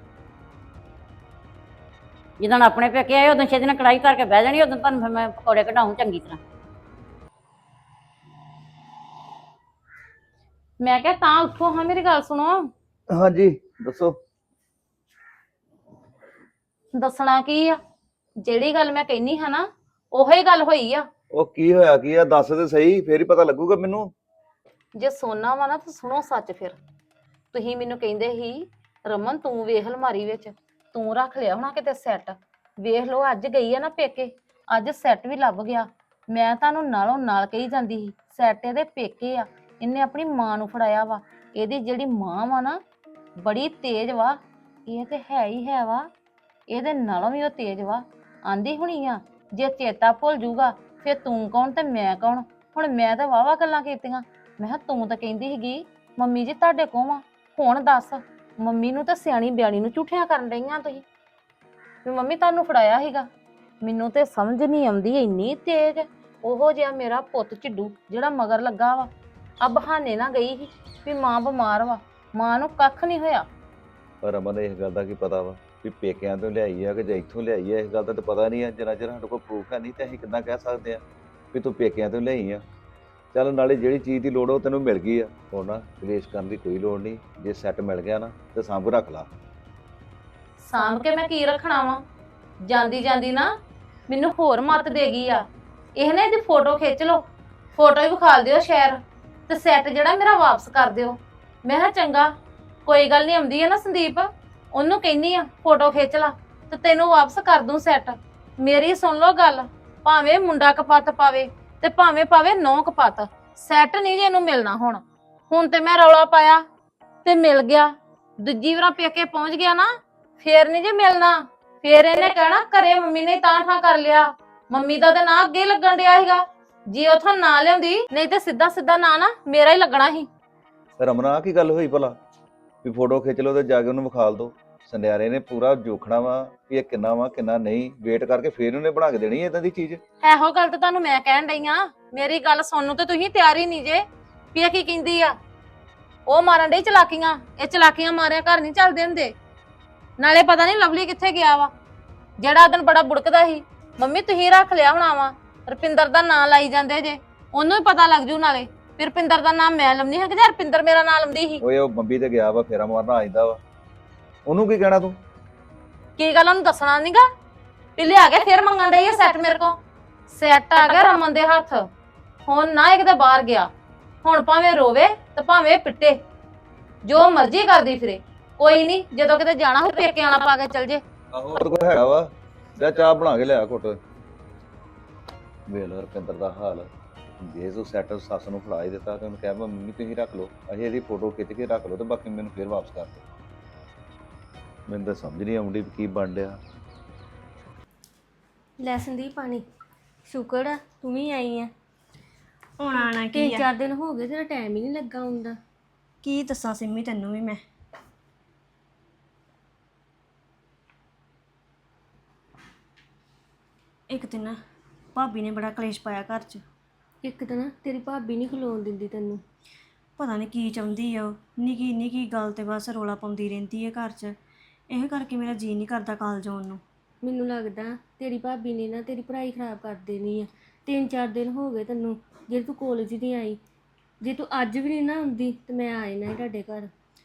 ਜਦੋਂ ਆਪਣੇ ਪੇਕੇ ਆਏ ਉਦੋਂ ਛੇਤੀ ਨਾਲ ਕੜਾਈ ਧਰ ਕੇ ਬਹਿ ਜਾਣੀ ਉਦੋਂ ਤੁਹਾਨੂੰ ਫਿਰ ਮੈਂ ਪਕੌੜੇ ਕਢਾਉਂ ਚੰਗੀ ਤਰ੍ਹਾਂ।
ਮੈਂ ਕਿਹਾ ਤਾਂ ਉੱਠੋ ਹਾਂ ਮੇਰੀ ਗੱਲ ਸੁਣੋ
ਹਾਂਜੀ ਦੱਸੋ।
ਦੱਸਣਾ ਕੀ ਆ ਜਿਹੜੀ ਗੱਲ ਮੈਂ ਕਹਿਨੀ ਹਾਂ ਨਾ ਉਹੀ ਗੱਲ ਹੋਈ ਆ।
ਉਹ ਕੀ ਹੋਇਆ ਕੀ ਆ ਦੱਸ ਤੇ ਸਹੀ ਫੇਰ ਹੀ ਪਤਾ ਲੱਗੂਗਾ ਮੈਨੂੰ।
ਜੇ ਸੋਨਾ ਵਾ ਨਾ ਤਾਂ ਸੁਣੋ ਸੱਚ ਫਿਰ ਤੁਸੀਂ ਮੈਨੂੰ ਕਹਿੰਦੇ ਸੀ ਰਮਨ ਤੂੰ ਵੇਖ ਅਲਮਾਰੀ ਵਿੱਚ ਤੂੰ ਰੱਖ ਲਿਆ ਹੋਣਾ ਕਿਤੇ ਸੈੱਟ ਵੇਖ ਲਓ ਅੱਜ ਗਈ ਆ ਨਾ ਪੇਕੇ ਅੱਜ ਸੈੱਟ ਵੀ ਲੱਭ ਗਿਆ। ਮੈਂ ਤੁਹਾਨੂੰ ਨਾਲੋਂ ਨਾਲ ਕਹੀ ਜਾਂਦੀ ਸੀ ਸੈੱਟ ਇਹਦੇ ਪੇਕੇ ਆ ਇਹਨੇ ਆਪਣੀ ਮਾਂ ਨੂੰ ਫੜਾਇਆ ਵਾ। ਇਹਦੀ ਜਿਹੜੀ ਮਾਂ ਵਾ ਨਾ ਬੜੀ ਤੇਜ਼ ਵਾ ਇਹ ਤੇ ਹੈ ਹੀ ਹੈ ਵਾ ਇਹਦੇ ਨਾਲੋਂ ਵੀ ਉਹ ਤੇਜ਼ ਵਾ। ਆਂਦੀ ਹੁਣੀ ਆ ਜੇ ਚੇਤਾ ਭੁੱਲ ਜੂਗਾ ਫਿਰ ਤੂੰ ਕੌਣ ਤੇ ਮੈਂ ਕੌਣ। ਹੁਣ ਮੈਂ ਤਾਂ ਵਾਵਾ ਗੱਲਾਂ ਕੀਤੀਆਂ ਮੈਂ ਕਿਹਾ ਤੂੰ ਤਾਂ ਕਹਿੰਦੀ ਸੀਗੀ ਮੰਮੀ ਜੀ ਤੁਹਾਡੇ ਕੋਲ ਆ ਹੁਣ ਦੱਸ ਮੰਮੀ ਨੂੰ ਤਾਂ ਸਿਆਣੀ ਬਿਆਣੀ ਨੂੰ ਝੂਠਿਆਂ ਕਰਨ ਡਈਆਂ ਤੁਸੀਂ ਵੀ ਮੰਮੀ ਤੁਹਾਨੂੰ ਫੜਾਇਆ ਸੀਗਾ। ਮੈਨੂੰ ਤੇ ਸਮਝ ਨਹੀਂ ਆਉਂਦੀ ਇੰਨੀ ਤੇਜ਼ ਉਹੋ ਜਿਹਾ ਮੇਰਾ ਪੁੱਤ ਝਿੱਡੂ ਜਿਹੜਾ ਮਗਰ ਲੱਗਾ ਵਾ ਆ ਬਹਾਨੇ ਨਾ ਗਈ ਸੀ ਵੀ ਮਾਂ ਬਿਮਾਰ ਵਾ ਮਾਂ ਨੂੰ ਕੱਖ ਨਹੀਂ ਹੋਇਆ।
ਪਰ ਰਮਨ ਇਸ ਗੱਲ ਦਾ ਕੀ ਪਤਾ ਵਾ ਵੀ ਪੇਕਿਆਂ ਤੋਂ ਲਿਆਈ ਆ ਕਿ ਜਾਂ ਇੱਥੋਂ ਲਿਆਈ ਆ ਇਸ ਗੱਲ ਦਾ ਤਾਂ ਪਤਾ ਨਹੀਂ ਆ ਜਿੰਨਾ ਚਿਰ ਸਾਡੇ ਕੋਲ ਪ੍ਰੂਫ ਹੈ ਨਹੀਂ ਤੇ ਅਸੀਂ ਕਿੱਦਾਂ ਕਹਿ ਸਕਦੇ ਆ ਵੀ ਤੂੰ ਪੇਕਿਆਂ ਤੋਂ ਲਿਆਈ ਆ। ਚੱਲ ਨਾਲੇ ਜਿਹੜੀ ਚੀਜ਼ ਦੀ ਲੋੜ ਉਹ ਤੈਨੂੰ ਮਿਲ ਗਈ ਆ, ਹੁਣ ਨਾ ਕਲੇਸ਼ ਕਰਨ ਦੀ ਕੋਈ ਲੋੜ ਨਹੀਂ। ਜੇ ਸੈੱਟ ਮਿਲ ਗਿਆ ਨਾ ਤੇ ਸਾਂਭ ਰੱਖ ਲਾ।
ਸਾਂਭ ਕੇ ਮੈਂ ਕੀ ਰੱਖਣਾ ਵਾ? ਜਾਂਦੀ ਜਾਂਦੀ ਨਾ ਮੈਨੂੰ ਹੋਰ ਮੱਤ ਦੇ ਗਈ ਆ। ਇਹ ਨਾ ਇਹਦੀ ਫੋਟੋ ਖਿੱਚ ਲਓ, ਫੋਟੋ ਹੀ ਵਿਖਾਲ ਦਿਓ ਸ਼ਹਿਰ, ਤੇ ਸੈੱਟ ਜਿਹੜਾ ਮੇਰਾ ਵਾਪਸ ਕਰ ਦਿਓ। ਮੈਂ ਕਿਹਾ ਚੰਗਾ, ਕੋਈ ਗੱਲ ਨਹੀਂ, ਆਉਂਦੀ ਹੈ ਨਾ ਸੰਦੀਪ, ਉਹਨੂੰ ਕਹਿੰਨੀ ਆ ਫੋਟੋ ਖਿੱਚ ਲਾ ਤੇ ਤੈਨੂੰ ਵਾਪਸ ਕਰ ਦੂੰ ਸੈੱਟ। ਮੇਰੀ ਸੁਣ ਲਓ ਗੱਲ, ਭਾਵੇਂ ਮੁੰਡਾ ਕਪੱਤ ਪਾਵੇ ਤੇ ਭਾਵੇਂ ਪਾਵੇ ਨੌ ਕਪੱਤ, ਸੈੱਟ ਨਹੀਂ ਜੇ ਇਹਨੂੰ ਮਿਲਣਾ। ਹੁਣ ਹੁਣ ਤੇ ਮੈਂ ਰੌਲਾ ਪਾਇਆ ਤੇ ਮਿਲ ਗਿਆ, ਦੂਜੀ ਵਾਰ ਪੇਕੇ ਪਹੁੰਚ ਗਿਆ ਨਾ ਫੇਰ ਨਹੀਂ ਜੇ ਮਿਲਣਾ। ਫੇਰ ਇਹਨੇ ਕਹਿਣਾ ਘਰੇ ਮੰਮੀ ਨੇ ਤਾਂ ਠਾਂ ਕਰ ਲਿਆ, ਮੰਮੀ ਦਾ ਤਾਂ ਨਾਂ ਅੱਗੇ ਲੱਗਣ ਡਿਆ ਸੀਗਾ। ਜੇ ਉਥੋਂ ਨਾ ਲਿਆਉਂਦੀ, ਨਹੀਂ ਤੇ ਸਿੱਧਾ ਸਿੱਧਾ ਨਾਂ ਨਾ ਮੇਰਾ ਹੀ ਲੱਗਣਾ ਸੀ।
ਰਮਨਾ ਆਹ ਕੀ ਗੱਲ ਹੋਈ ਭਲਾ ਵੀ ਫੋਟੋ ਖਿੱਚ ਲਓ ਤੇ ਜਾ ਕੇ ਉਹਨੂੰ ਵਿਖਾਲ ਦੋ? ਸੰਧਿਆਰੇ ਨੇ ਪੂਰਾ ਜੋਖਣਾ ਵਾ ਵੀ ਇਹ ਕਿੰਨਾ ਵਾ ਕਿੰਨਾ ਨਹੀਂ, ਵੇਟ ਕਰਕੇ ਫੇਰ ਉਹਨੇ ਬਣਾ ਕੇ ਦੇਣੀ ਇਦਾਂ ਦੀ ਚੀਜ਼।
ਇਹੋ ਗੱਲ ਤਾਂ ਤੁਹਾਨੂੰ ਮੈਂ ਕਹਿਣ ਡਈ ਆ, ਮੇਰੀ ਗੱਲ ਸੁਣਨ ਨੂੰ ਤੇ ਤੁਸੀਂ ਤਿਆਰ ਹੀ ਨਹੀਂ ਜੇ ਵੀ ਇਹ ਕੀ ਕਹਿੰਦੀ ਆ। ਉਹ ਮਾਰਨ ਡਈ ਚਲਾਕੀਆਂ, ਇਹ ਚਲਾਕੀਆਂ ਮਾਰਿਆ ਘਰ ਨਹੀਂ ਚੱਲਦੇ ਹੁੰਦੇ। ਨਾਲੇ ਪਤਾ ਨਹੀਂ ਲਵਲੀ ਕਿੱਥੇ ਗਿਆ ਵਾ, ਜਿਹੜਾ ਦਿਨ ਬੜਾ ਬੁੜਕਦਾ ਸੀ ਮੰਮੀ ਤੁਸੀਂ ਰੱਖ ਲਿਆ ਹੋਣਾ ਵਾ, ਰੁਪਿੰਦਰ ਦਾ ਨਾਂ ਲਾਈ ਜਾਂਦੇ ਜੇ, ਉਹਨੂੰ ਹੀ ਪਤਾ ਲੱਗ ਜੂ ਨਾਲੇ ਵੀ ਰੁਪਿੰਦਰ ਦਾ ਨਾਮ ਮੈਂ ਲੰਮੀ ਹਾਂ ਕਿ ਜਾਂ ਰੁਪਿੰਦਰ ਮੇਰਾ ਨਾਂ ਲੰਮਦੀ ਸੀ।
ਓਏ ਉਹ ਬੰਬੀ ਤੇ ਗਿਆ ਵਾ, ਫੇਰਾ ਮਾਰਨਾ ਆਇਂਦਾ ਵਾ, ਉਹਨੂੰ ਕੀ ਕਹਿਣਾ ਤੂੰ?
ਕੀ ਗੱਲ ਉਹਨੂੰ ਦੱਸਣਾ ਨਹੀਂਗਾ ਵੀ ਲਿਆ ਕੇ ਫੇਰ ਮੰਗਣ ਡਈ ਆ ਸੈੱਟ ਮੇਰੇ ਕੋ? ਸੈੱਟ ਆ ਗਿਆ ਰਮਨ ਦੇ ਹੱਥ, ਹੁਣ ਨਾ ਇੱਕ ਤਾਂ ਬਾਹਰ ਗਿਆ, ਹੁਣ ਭਾਵੇਂ ਰੋਵੇ ਤੇ ਭਾਵੇਂ ਪਿੱਟੇ, ਜੋ ਮਰਜ਼ੀ ਕਰਦੀ ਫਿਰੇ। ਕੋਈ ਨਹੀਂ, ਜਦੋਂ ਕਿਤੇ ਜਾਣਾ ਹੋ ਪੇਕੇ ਆਣਾ ਪਾ ਕੇ ਚਲ ਜੇ।
ਆਹੋ ਉਹਦੇ ਕੋਲ ਹੈਗਾ ਵਾ, ਜਾ ਚਾਹ ਬਣਾ ਕੇ ਲਿਆ ਘੁੱਟ। ਵੇਖ ਲਓ ਰੁਪਿੰਦਰ ਦਾ ਹਾਲ, ਜੇ ਤੂੰ ਸੈੱਟ ਸੱਸ ਨੂੰ ਫੜਾ ਹੀ ਦਿੱਤਾ ਤੇ ਉਹਨੂੰ ਕਹਿ ਮੰਮੀ ਤੁਸੀਂ ਰੱਖ ਲਓ, ਅਸੀਂ ਇਹਦੀ ਫੋਟੋ ਖਿੱਚ ਕੇ ਰੱਖ ਲਓ ਤੇ ਬਾਕੀ ਮੈਨੂੰ ਫੇਰ ਵਾਪਸ ਕਰ ਦਿਓ। ਮੈਨੂੰ ਤਾਂ ਸਮਝ ਨਹੀਂ ਆਉਂਦੀ ਵੀ ਕੀ ਬਣ ਡਿਆ।
ਲੈ ਸੰਦੀਪ ਪਾਣੀ, ਸ਼ੁਕਰ ਆ ਤੂੰ ਵੀ ਆਈ ਆ।
ਹੁਣ ਆਣਾ ਕੀ
ਤਿੰਨ
ਆ?
ਚਾਰ ਦਿਨ ਹੋ ਗਏ, ਤੇਰਾ ਟਾਈਮ ਹੀ ਨਹੀਂ ਲੱਗਾ ਹੁੰਦਾ।
ਕੀ ਦੱਸਾਂ ਸਿੰਮੀ ਤੈਨੂੰ ਵੀ ਮੈਂ। ਇੱਕ ਦਿਨ ਨਾ ਭਾਬੀ ਨੇ ਬੜਾ ਕਲੇਸ਼ ਪਾਇਆ ਘਰ 'ਚ।
ਇੱਕ ਤਾਂ ਨਾ ਤੇਰੀ ਭਾਬੀ ਨਹੀਂ ਖਲੋਣ ਦਿੰਦੀ ਤੈਨੂੰ।
ਪਤਾ ਨਹੀਂ ਕੀ ਚਾਹੁੰਦੀ ਆ ਉਹ, ਨਿੱਕੀ ਨਿੱਕੀ ਗੱਲ ਤੇ ਬਸ ਰੋਲਾ ਪਾਉਂਦੀ ਰਹਿੰਦੀ ਹੈ ਘਰ 'ਚ। ਇਹ ਕਰਕੇ ਮੇਰਾ ਜੀਅ ਨਹੀਂ ਕਰਦਾ ਕਾਲਜ ਆਉਣ ਨੂੰ।
ਮੈਨੂੰ ਲੱਗਦਾ ਤੇਰੀ ਭਾਬੀ ਨੇ ਨਾ ਤੇਰੀ ਪੜ੍ਹਾਈ ਖਰਾਬ ਕਰ ਦੇਣੀ ਆ। ਤਿੰਨ ਚਾਰ ਦਿਨ ਹੋ ਗਏ ਤੈਨੂੰ ਜੇ ਤੂੰ ਕਾਲਜ ਨਹੀਂ ਆਈ। ਜੇ ਤੂੰ ਅੱਜ ਵੀ ਨਹੀਂ ਨਾ ਆਉਂਦੀ ਤੇ ਮੈਂ ਆ ਜਾਣਾ ਸੀ ਤੁਹਾਡੇ ਘਰ।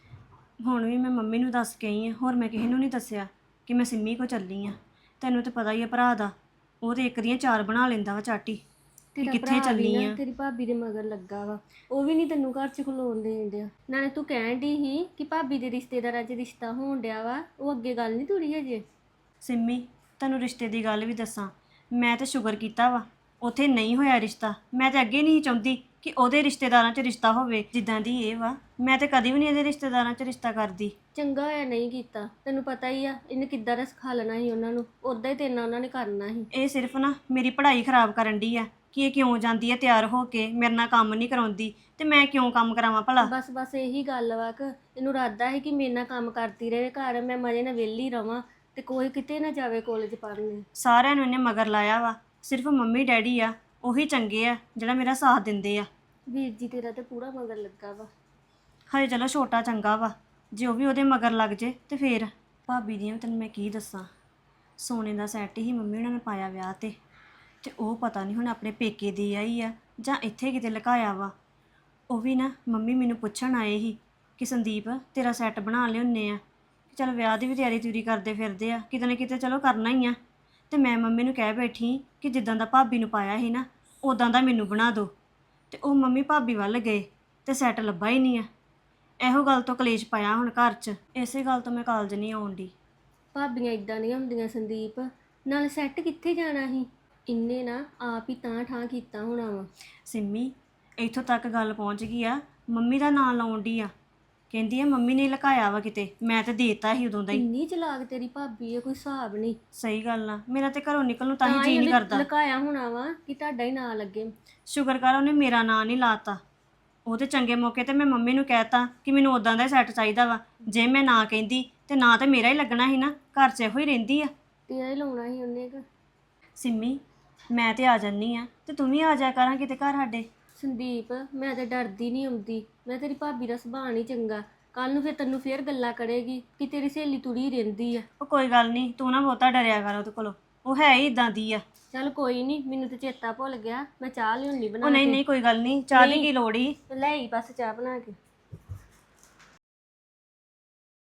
ਹੁਣ ਵੀ ਮੈਂ ਮੰਮੀ ਨੂੰ ਦੱਸ ਕੇ ਆਈ ਹਾਂ, ਹੋਰ ਮੈਂ ਕਿਸੇ ਨੂੰ ਨਹੀਂ ਦੱਸਿਆ ਕਿ ਮੈਂ ਸਿੰਮੀ ਕੋ ਚੱਲੀ ਆ। ਤੈਨੂੰ ਤਾਂ ਪਤਾ ਹੀ ਆ ਭਰਾ ਦਾ, ਉਹ ਤੇ ਇੱਕ ਦੀਆਂ ਚਾਰ ਬਣਾ ਲੈਂਦਾ ਵਾ ਚਾਟੀ ਕਿ
ਤੇਰਾ
ਕਿੱਥੇ
ਭਰਾ ਵੀ
ਚੱਲੀ
ਨਾ
ਆ।
ਤੇਰੀ ਭਾਬੀ ਦੇ ਮਗਰ ਲੱਗਾ ਵਾ, ਉਹ ਵੀ ਨਹੀਂ ਤੈਨੂੰ ਘਰ 'ਚ ਖਲੋਣ ਦੇਣ ਡਿਆ। ਨਾਲੇ ਤੂੰ ਕਹਿਣ ਡਈ ਸੀ ਕਿ ਭਾਬੀ ਦੇ ਰਿਸ਼ਤੇਦਾਰਾਂ 'ਚ ਰਿਸ਼ਤਾ ਹੋਣ ਡਿਆ ਵਾ, ਉਹ ਅੱਗੇ ਗੱਲ ਨਹੀਂ ਤੁਰੀ ਹਜੇ।
ਸਿੰਮੀ ਤੈਨੂੰ ਰਿਸ਼ਤੇ ਦੀ ਗੱਲ ਵੀ ਦੱਸਾਂ, ਮੈਂ ਤਾਂ ਸ਼ੁਕਰ ਕੀਤਾ ਵਾ ਉੱਥੇ ਨਹੀਂ ਹੋਇਆ ਰਿਸ਼ਤਾ। ਮੈਂ ਤਾਂ ਅੱਗੇ ਨਹੀਂ ਚਾਹੁੰਦੀ ਕਿ ਉਹਦੇ ਰਿਸ਼ਤੇਦਾਰਾਂ 'ਚ ਰਿਸ਼ਤਾ ਹੋਵੇ ਜਿੱਦਾਂ ਦੀ ਇਹ ਵਾ। ਮੈਂ ਤਾਂ ਕਦੀ ਵੀ ਨਹੀਂ ਇਹਦੇ ਰਿਸ਼ਤੇਦਾਰਾਂ 'ਚ ਰਿਸ਼ਤਾ ਕਰਦੀ।
ਚੰਗਾ ਹੋਇਆ ਨਹੀਂ ਕੀਤਾ, ਤੈਨੂੰ ਪਤਾ ਹੀ ਆ ਇਹਨੇ ਕਿੱਦਾਂ ਦਾ ਸਿਖਾ ਲੈਣਾ ਸੀ ਉਹਨਾਂ ਨੂੰ, ਉਦਾਂ ਹੀ ਤੇਰੇ ਨਾਲ ਉਹਨਾਂ ਨੇ ਕਰਨਾ ਸੀ।
ਇਹ ਸਿਰਫ ਨਾ ਮੇਰੀ ਪੜ੍ਹਾਈ ਖਰਾਬ ਕਰਨ ਡਈ ਆ ਕਿ ਇਹ ਕਿਉਂ ਜਾਂਦੀ ਹੈ ਤਿਆਰ ਹੋ ਕੇ, ਮੇਰੇ ਨਾਲ ਕੰਮ ਨਹੀਂ ਕਰਾਉਂਦੀ ਤੇ ਮੈਂ ਕਿਉਂ ਕੰਮ ਕਰਾਵਾਂ ਭਲਾ।
ਬਸ ਬਸ ਇਹੀ ਗੱਲ ਵਾ ਕਿ ਇਹਨੂੰ ਇਰਾਦਾ ਹੈ ਕਿ ਮੇਰੇ ਨਾਲ ਕੰਮ ਕਰਦੀ ਰਹੇ ਘਰ, ਮੈਂ ਮਜ਼ੇ ਨਾਲ ਵਿਹਲੀ ਰਵਾਂ ਤੇ ਕੋਈ ਕਿਤੇ ਨਾ ਜਾਵੇ ਕਾਲਜ ਪੜ੍ਹਨ।
ਸਾਰਿਆਂ ਨੂੰ ਇਹਨੇ ਮਗਰ ਲਾਇਆ ਵਾ, ਸਿਰਫ ਮੰਮੀ ਡੈਡੀ ਆ ਉਹੀ ਚੰਗੇ ਆ ਜਿਹੜਾ ਮੇਰਾ ਸਾਥ ਦਿੰਦੇ ਆ।
ਵੀਰ ਜੀ ਤੇਰਾ ਤੇ ਪੂਰਾ ਮਗਰ ਲੱਗਾ ਵਾ।
ਹਜੇ ਚਲੋ ਛੋਟਾ ਚੰਗਾ ਵਾ, ਜੇ ਉਹ ਵੀ ਉਹਦੇ ਮਗਰ ਲੱਗ ਜੇ ਤੇ ਫੇਰ। ਭਾਬੀ ਦੀਆਂ ਤੈਨੂੰ ਮੈਂ ਕੀ ਦੱਸਾਂ, ਸੋਨੇ ਦਾ ਸੈੱਟ ਹੀ ਮੰਮੀ ਉਹਨਾਂ ਨੇ ਪਾਇਆ ਵਿਆਹ ਤੇ ਤੇ ਉਹ ਪਤਾ ਨਹੀਂ ਹੁਣ ਆਪਣੇ ਪੇਕੇ ਦੀ ਆਈ ਆ ਜਾਂ ਇੱਥੇ ਕਿਤੇ ਲੁਕਾਇਆ ਵਾ। ਉਹ ਵੀ ਨਾ ਮੰਮੀ ਮੈਨੂੰ ਪੁੱਛਣ ਆਏ ਸੀ ਕਿ ਸੰਦੀਪ ਤੇਰਾ ਸੈੱਟ ਬਣਾ ਲਿਆਉਂਦੇ ਆ, ਚਲ ਵਿਆਹ ਦੀ ਵੀ ਤਿਆਰੀ ਤਿਉਰੀ ਕਰਦੇ ਫਿਰਦੇ ਆ, ਕਿਤੇ ਨਾ ਕਿਤੇ ਚਲੋ ਕਰਨਾ ਹੀ ਆ। ਤੇ ਮੈਂ ਮੰਮੀ ਨੂੰ ਕਹਿ ਬੈਠੀ ਕਿ ਜਿੱਦਾਂ ਦਾ ਭਾਬੀ ਨੂੰ ਪਾਇਆ ਸੀ ਨਾ ਉਦਾਂ ਦਾ ਮੈਨੂੰ ਬਣਾ ਦਿਓ। ਤੇ ਉਹ ਮੰਮੀ ਭਾਬੀ ਵੱਲ ਗਏ ਤੇ ਸੈੱਟ ਲੱਭਾ ਹੀ ਨਹੀਂ ਆ। ਇਹੋ ਗੱਲ ਤੋਂ ਕਲੇਸ਼ ਪਾਇਆ ਹੁਣ ਘਰ 'ਚ, ਇਸੇ ਗੱਲ ਤੋਂ ਮੈਂ ਕਾਲਜ ਨਹੀਂ ਆਉਣ ਦੀ।
ਭਾਬੀਆਂ ਇਦਾਂ ਦੀਆਂ ਹੁੰਦੀਆਂ ਸੰਦੀਪ, ਨਾਲ ਸੈੱਟ ਕਿੱਥੇ ਜਾਣਾ ਸੀ, ਇੰਨੇ ਨਾ ਆਪ ਹੀ ਤਾਂ ਠਾਂ ਕੀਤਾ ਹੋਣਾ ਵਾ।
ਸਿੰਮੀ ਇੱਥੋਂ ਤੱਕ ਗੱਲ ਪਹੁੰਚ ਗਈ ਆ, ਮੰਮੀ ਦਾ ਨਾਂ ਲਾਉਣ ਦੀ ਆ, ਕਹਿੰਦੀ ਆ ਮੰਮੀ ਨੇ ਲੁਕਾਇਆ ਵਾ ਕਿਤੇ, ਮੈਂ ਤੇ ਦੇਤਾ ਸੀ ਉਦੋਂ ਦਾ ਹੀ।
ਇੰਨੀ ਚਲਾਕ ਤੇਰੀ ਭਾਬੀ ਹੈ, ਕੋਈ ਹਿਸਾਬ ਨਹੀਂ।
ਸਹੀ ਗੱਲ ਆ, ਮੇਰਾ ਤੇ ਘਰੋਂ ਨਿਕਲਣ ਨੂੰ ਤਾਂ ਹੀ
ਤਾਂ
ਜੀ
ਹੀ
ਨਹੀਂ
ਉਹਨੇ
ਕਰਦਾ।
ਲੁਕਾਇਆ ਹੋਣਾ ਵਾ ਕਿ ਤੁਹਾਡਾ ਹੀ ਨਾਂ ਲੱਗੇ।
ਸ਼ੁਕਰ ਕਰ ਉਹਨੇ ਮੇਰਾ ਨਾਂ ਨਹੀਂ ਲਾਤਾ। ਉਹਦੇ ਚੰਗੇ ਮੌਕੇ ਤੇ ਮੈਂ ਮੰਮੀ ਨੂੰ ਕਹਿਤਾ ਕਿ ਮੈਨੂੰ ਉਦਾਂ ਦਾ ਸੈੱਟ ਚਾਹੀਦਾ ਵਾ। ਜੇ ਮੈਂ ਨਾ ਕਹਿੰਦੀ ਤੇ ਨਾਂ ਤੇ ਮੇਰਾ ਹੀ ਲੱਗਣਾ ਸੀ ਨਾ, ਘਰ 'ਚ ਇਹੋ ਹੀ ਰਹਿੰਦੀ ਆ।
ਤੇਰਾ ਹੀ ਲਾਉਣਾ ਸੀ ਉਹਨੇ ਕਿ।
ਸਿੰਮੀ ਮੈਂ ਤੇ ਆ ਜਾਨੀ ਆ ਤੇ ਤੂੰ ਵੀ ਆ ਜਾ ਕਰਾਂ ਕਿਤੇ ਘਰ ਸਾਡੇ।
ਸੰਦੀਪ ਮੈਂ ਤਾਂ ਡਰਦੀ ਨਹੀਂ ਆਉਂਦੀ, ਮੈਂ ਤੇਰੀ ਭਾਬੀ ਦਾ ਸੁਭਾਅ ਨਹੀਂ ਚੰਗਾ, ਕੱਲ ਨੂੰ ਫਿਰ ਤੈਨੂੰ ਫੇਰ ਗੱਲਾਂ ਕਰੇਗੀ ਕਿ ਤੇਰੀ ਸਹੇਲੀ ਤੁਰੀ ਰਹਿੰਦੀ ਆ।
ਉਹ ਕੋਈ ਗੱਲ ਨਹੀਂ, ਤੂੰ ਨਾ ਬਹੁਤਾ ਡਰਿਆ ਕਰ ਉਹਦੇ ਕੋਲੋਂ। ਉਹ ਹੈ ਹੀ ਇਦਾਂ ਦੀ ਆ।
ਚੱਲ ਕੋਈ ਨਹੀਂ, ਮੈਨੂੰ ਤੇ ਚੇਤਾ ਭੁੱਲ ਗਿਆ, ਮੈਂ ਚਾਹ ਲਿਆਉਣੀ ਬਣਾ
ਉਹ ਨਹੀਂ
ਕੇ।
ਨਹੀਂ ਕੋਈ ਗੱਲ ਨਹੀਂ, ਚਾਹ ਦੀ
ਨਹੀਂ।
ਕੀ ਲੋੜ ਹੀ।
ਲੈ ਆਈ ਬਸ ਚਾਹ ਬਣਾ ਕੇ।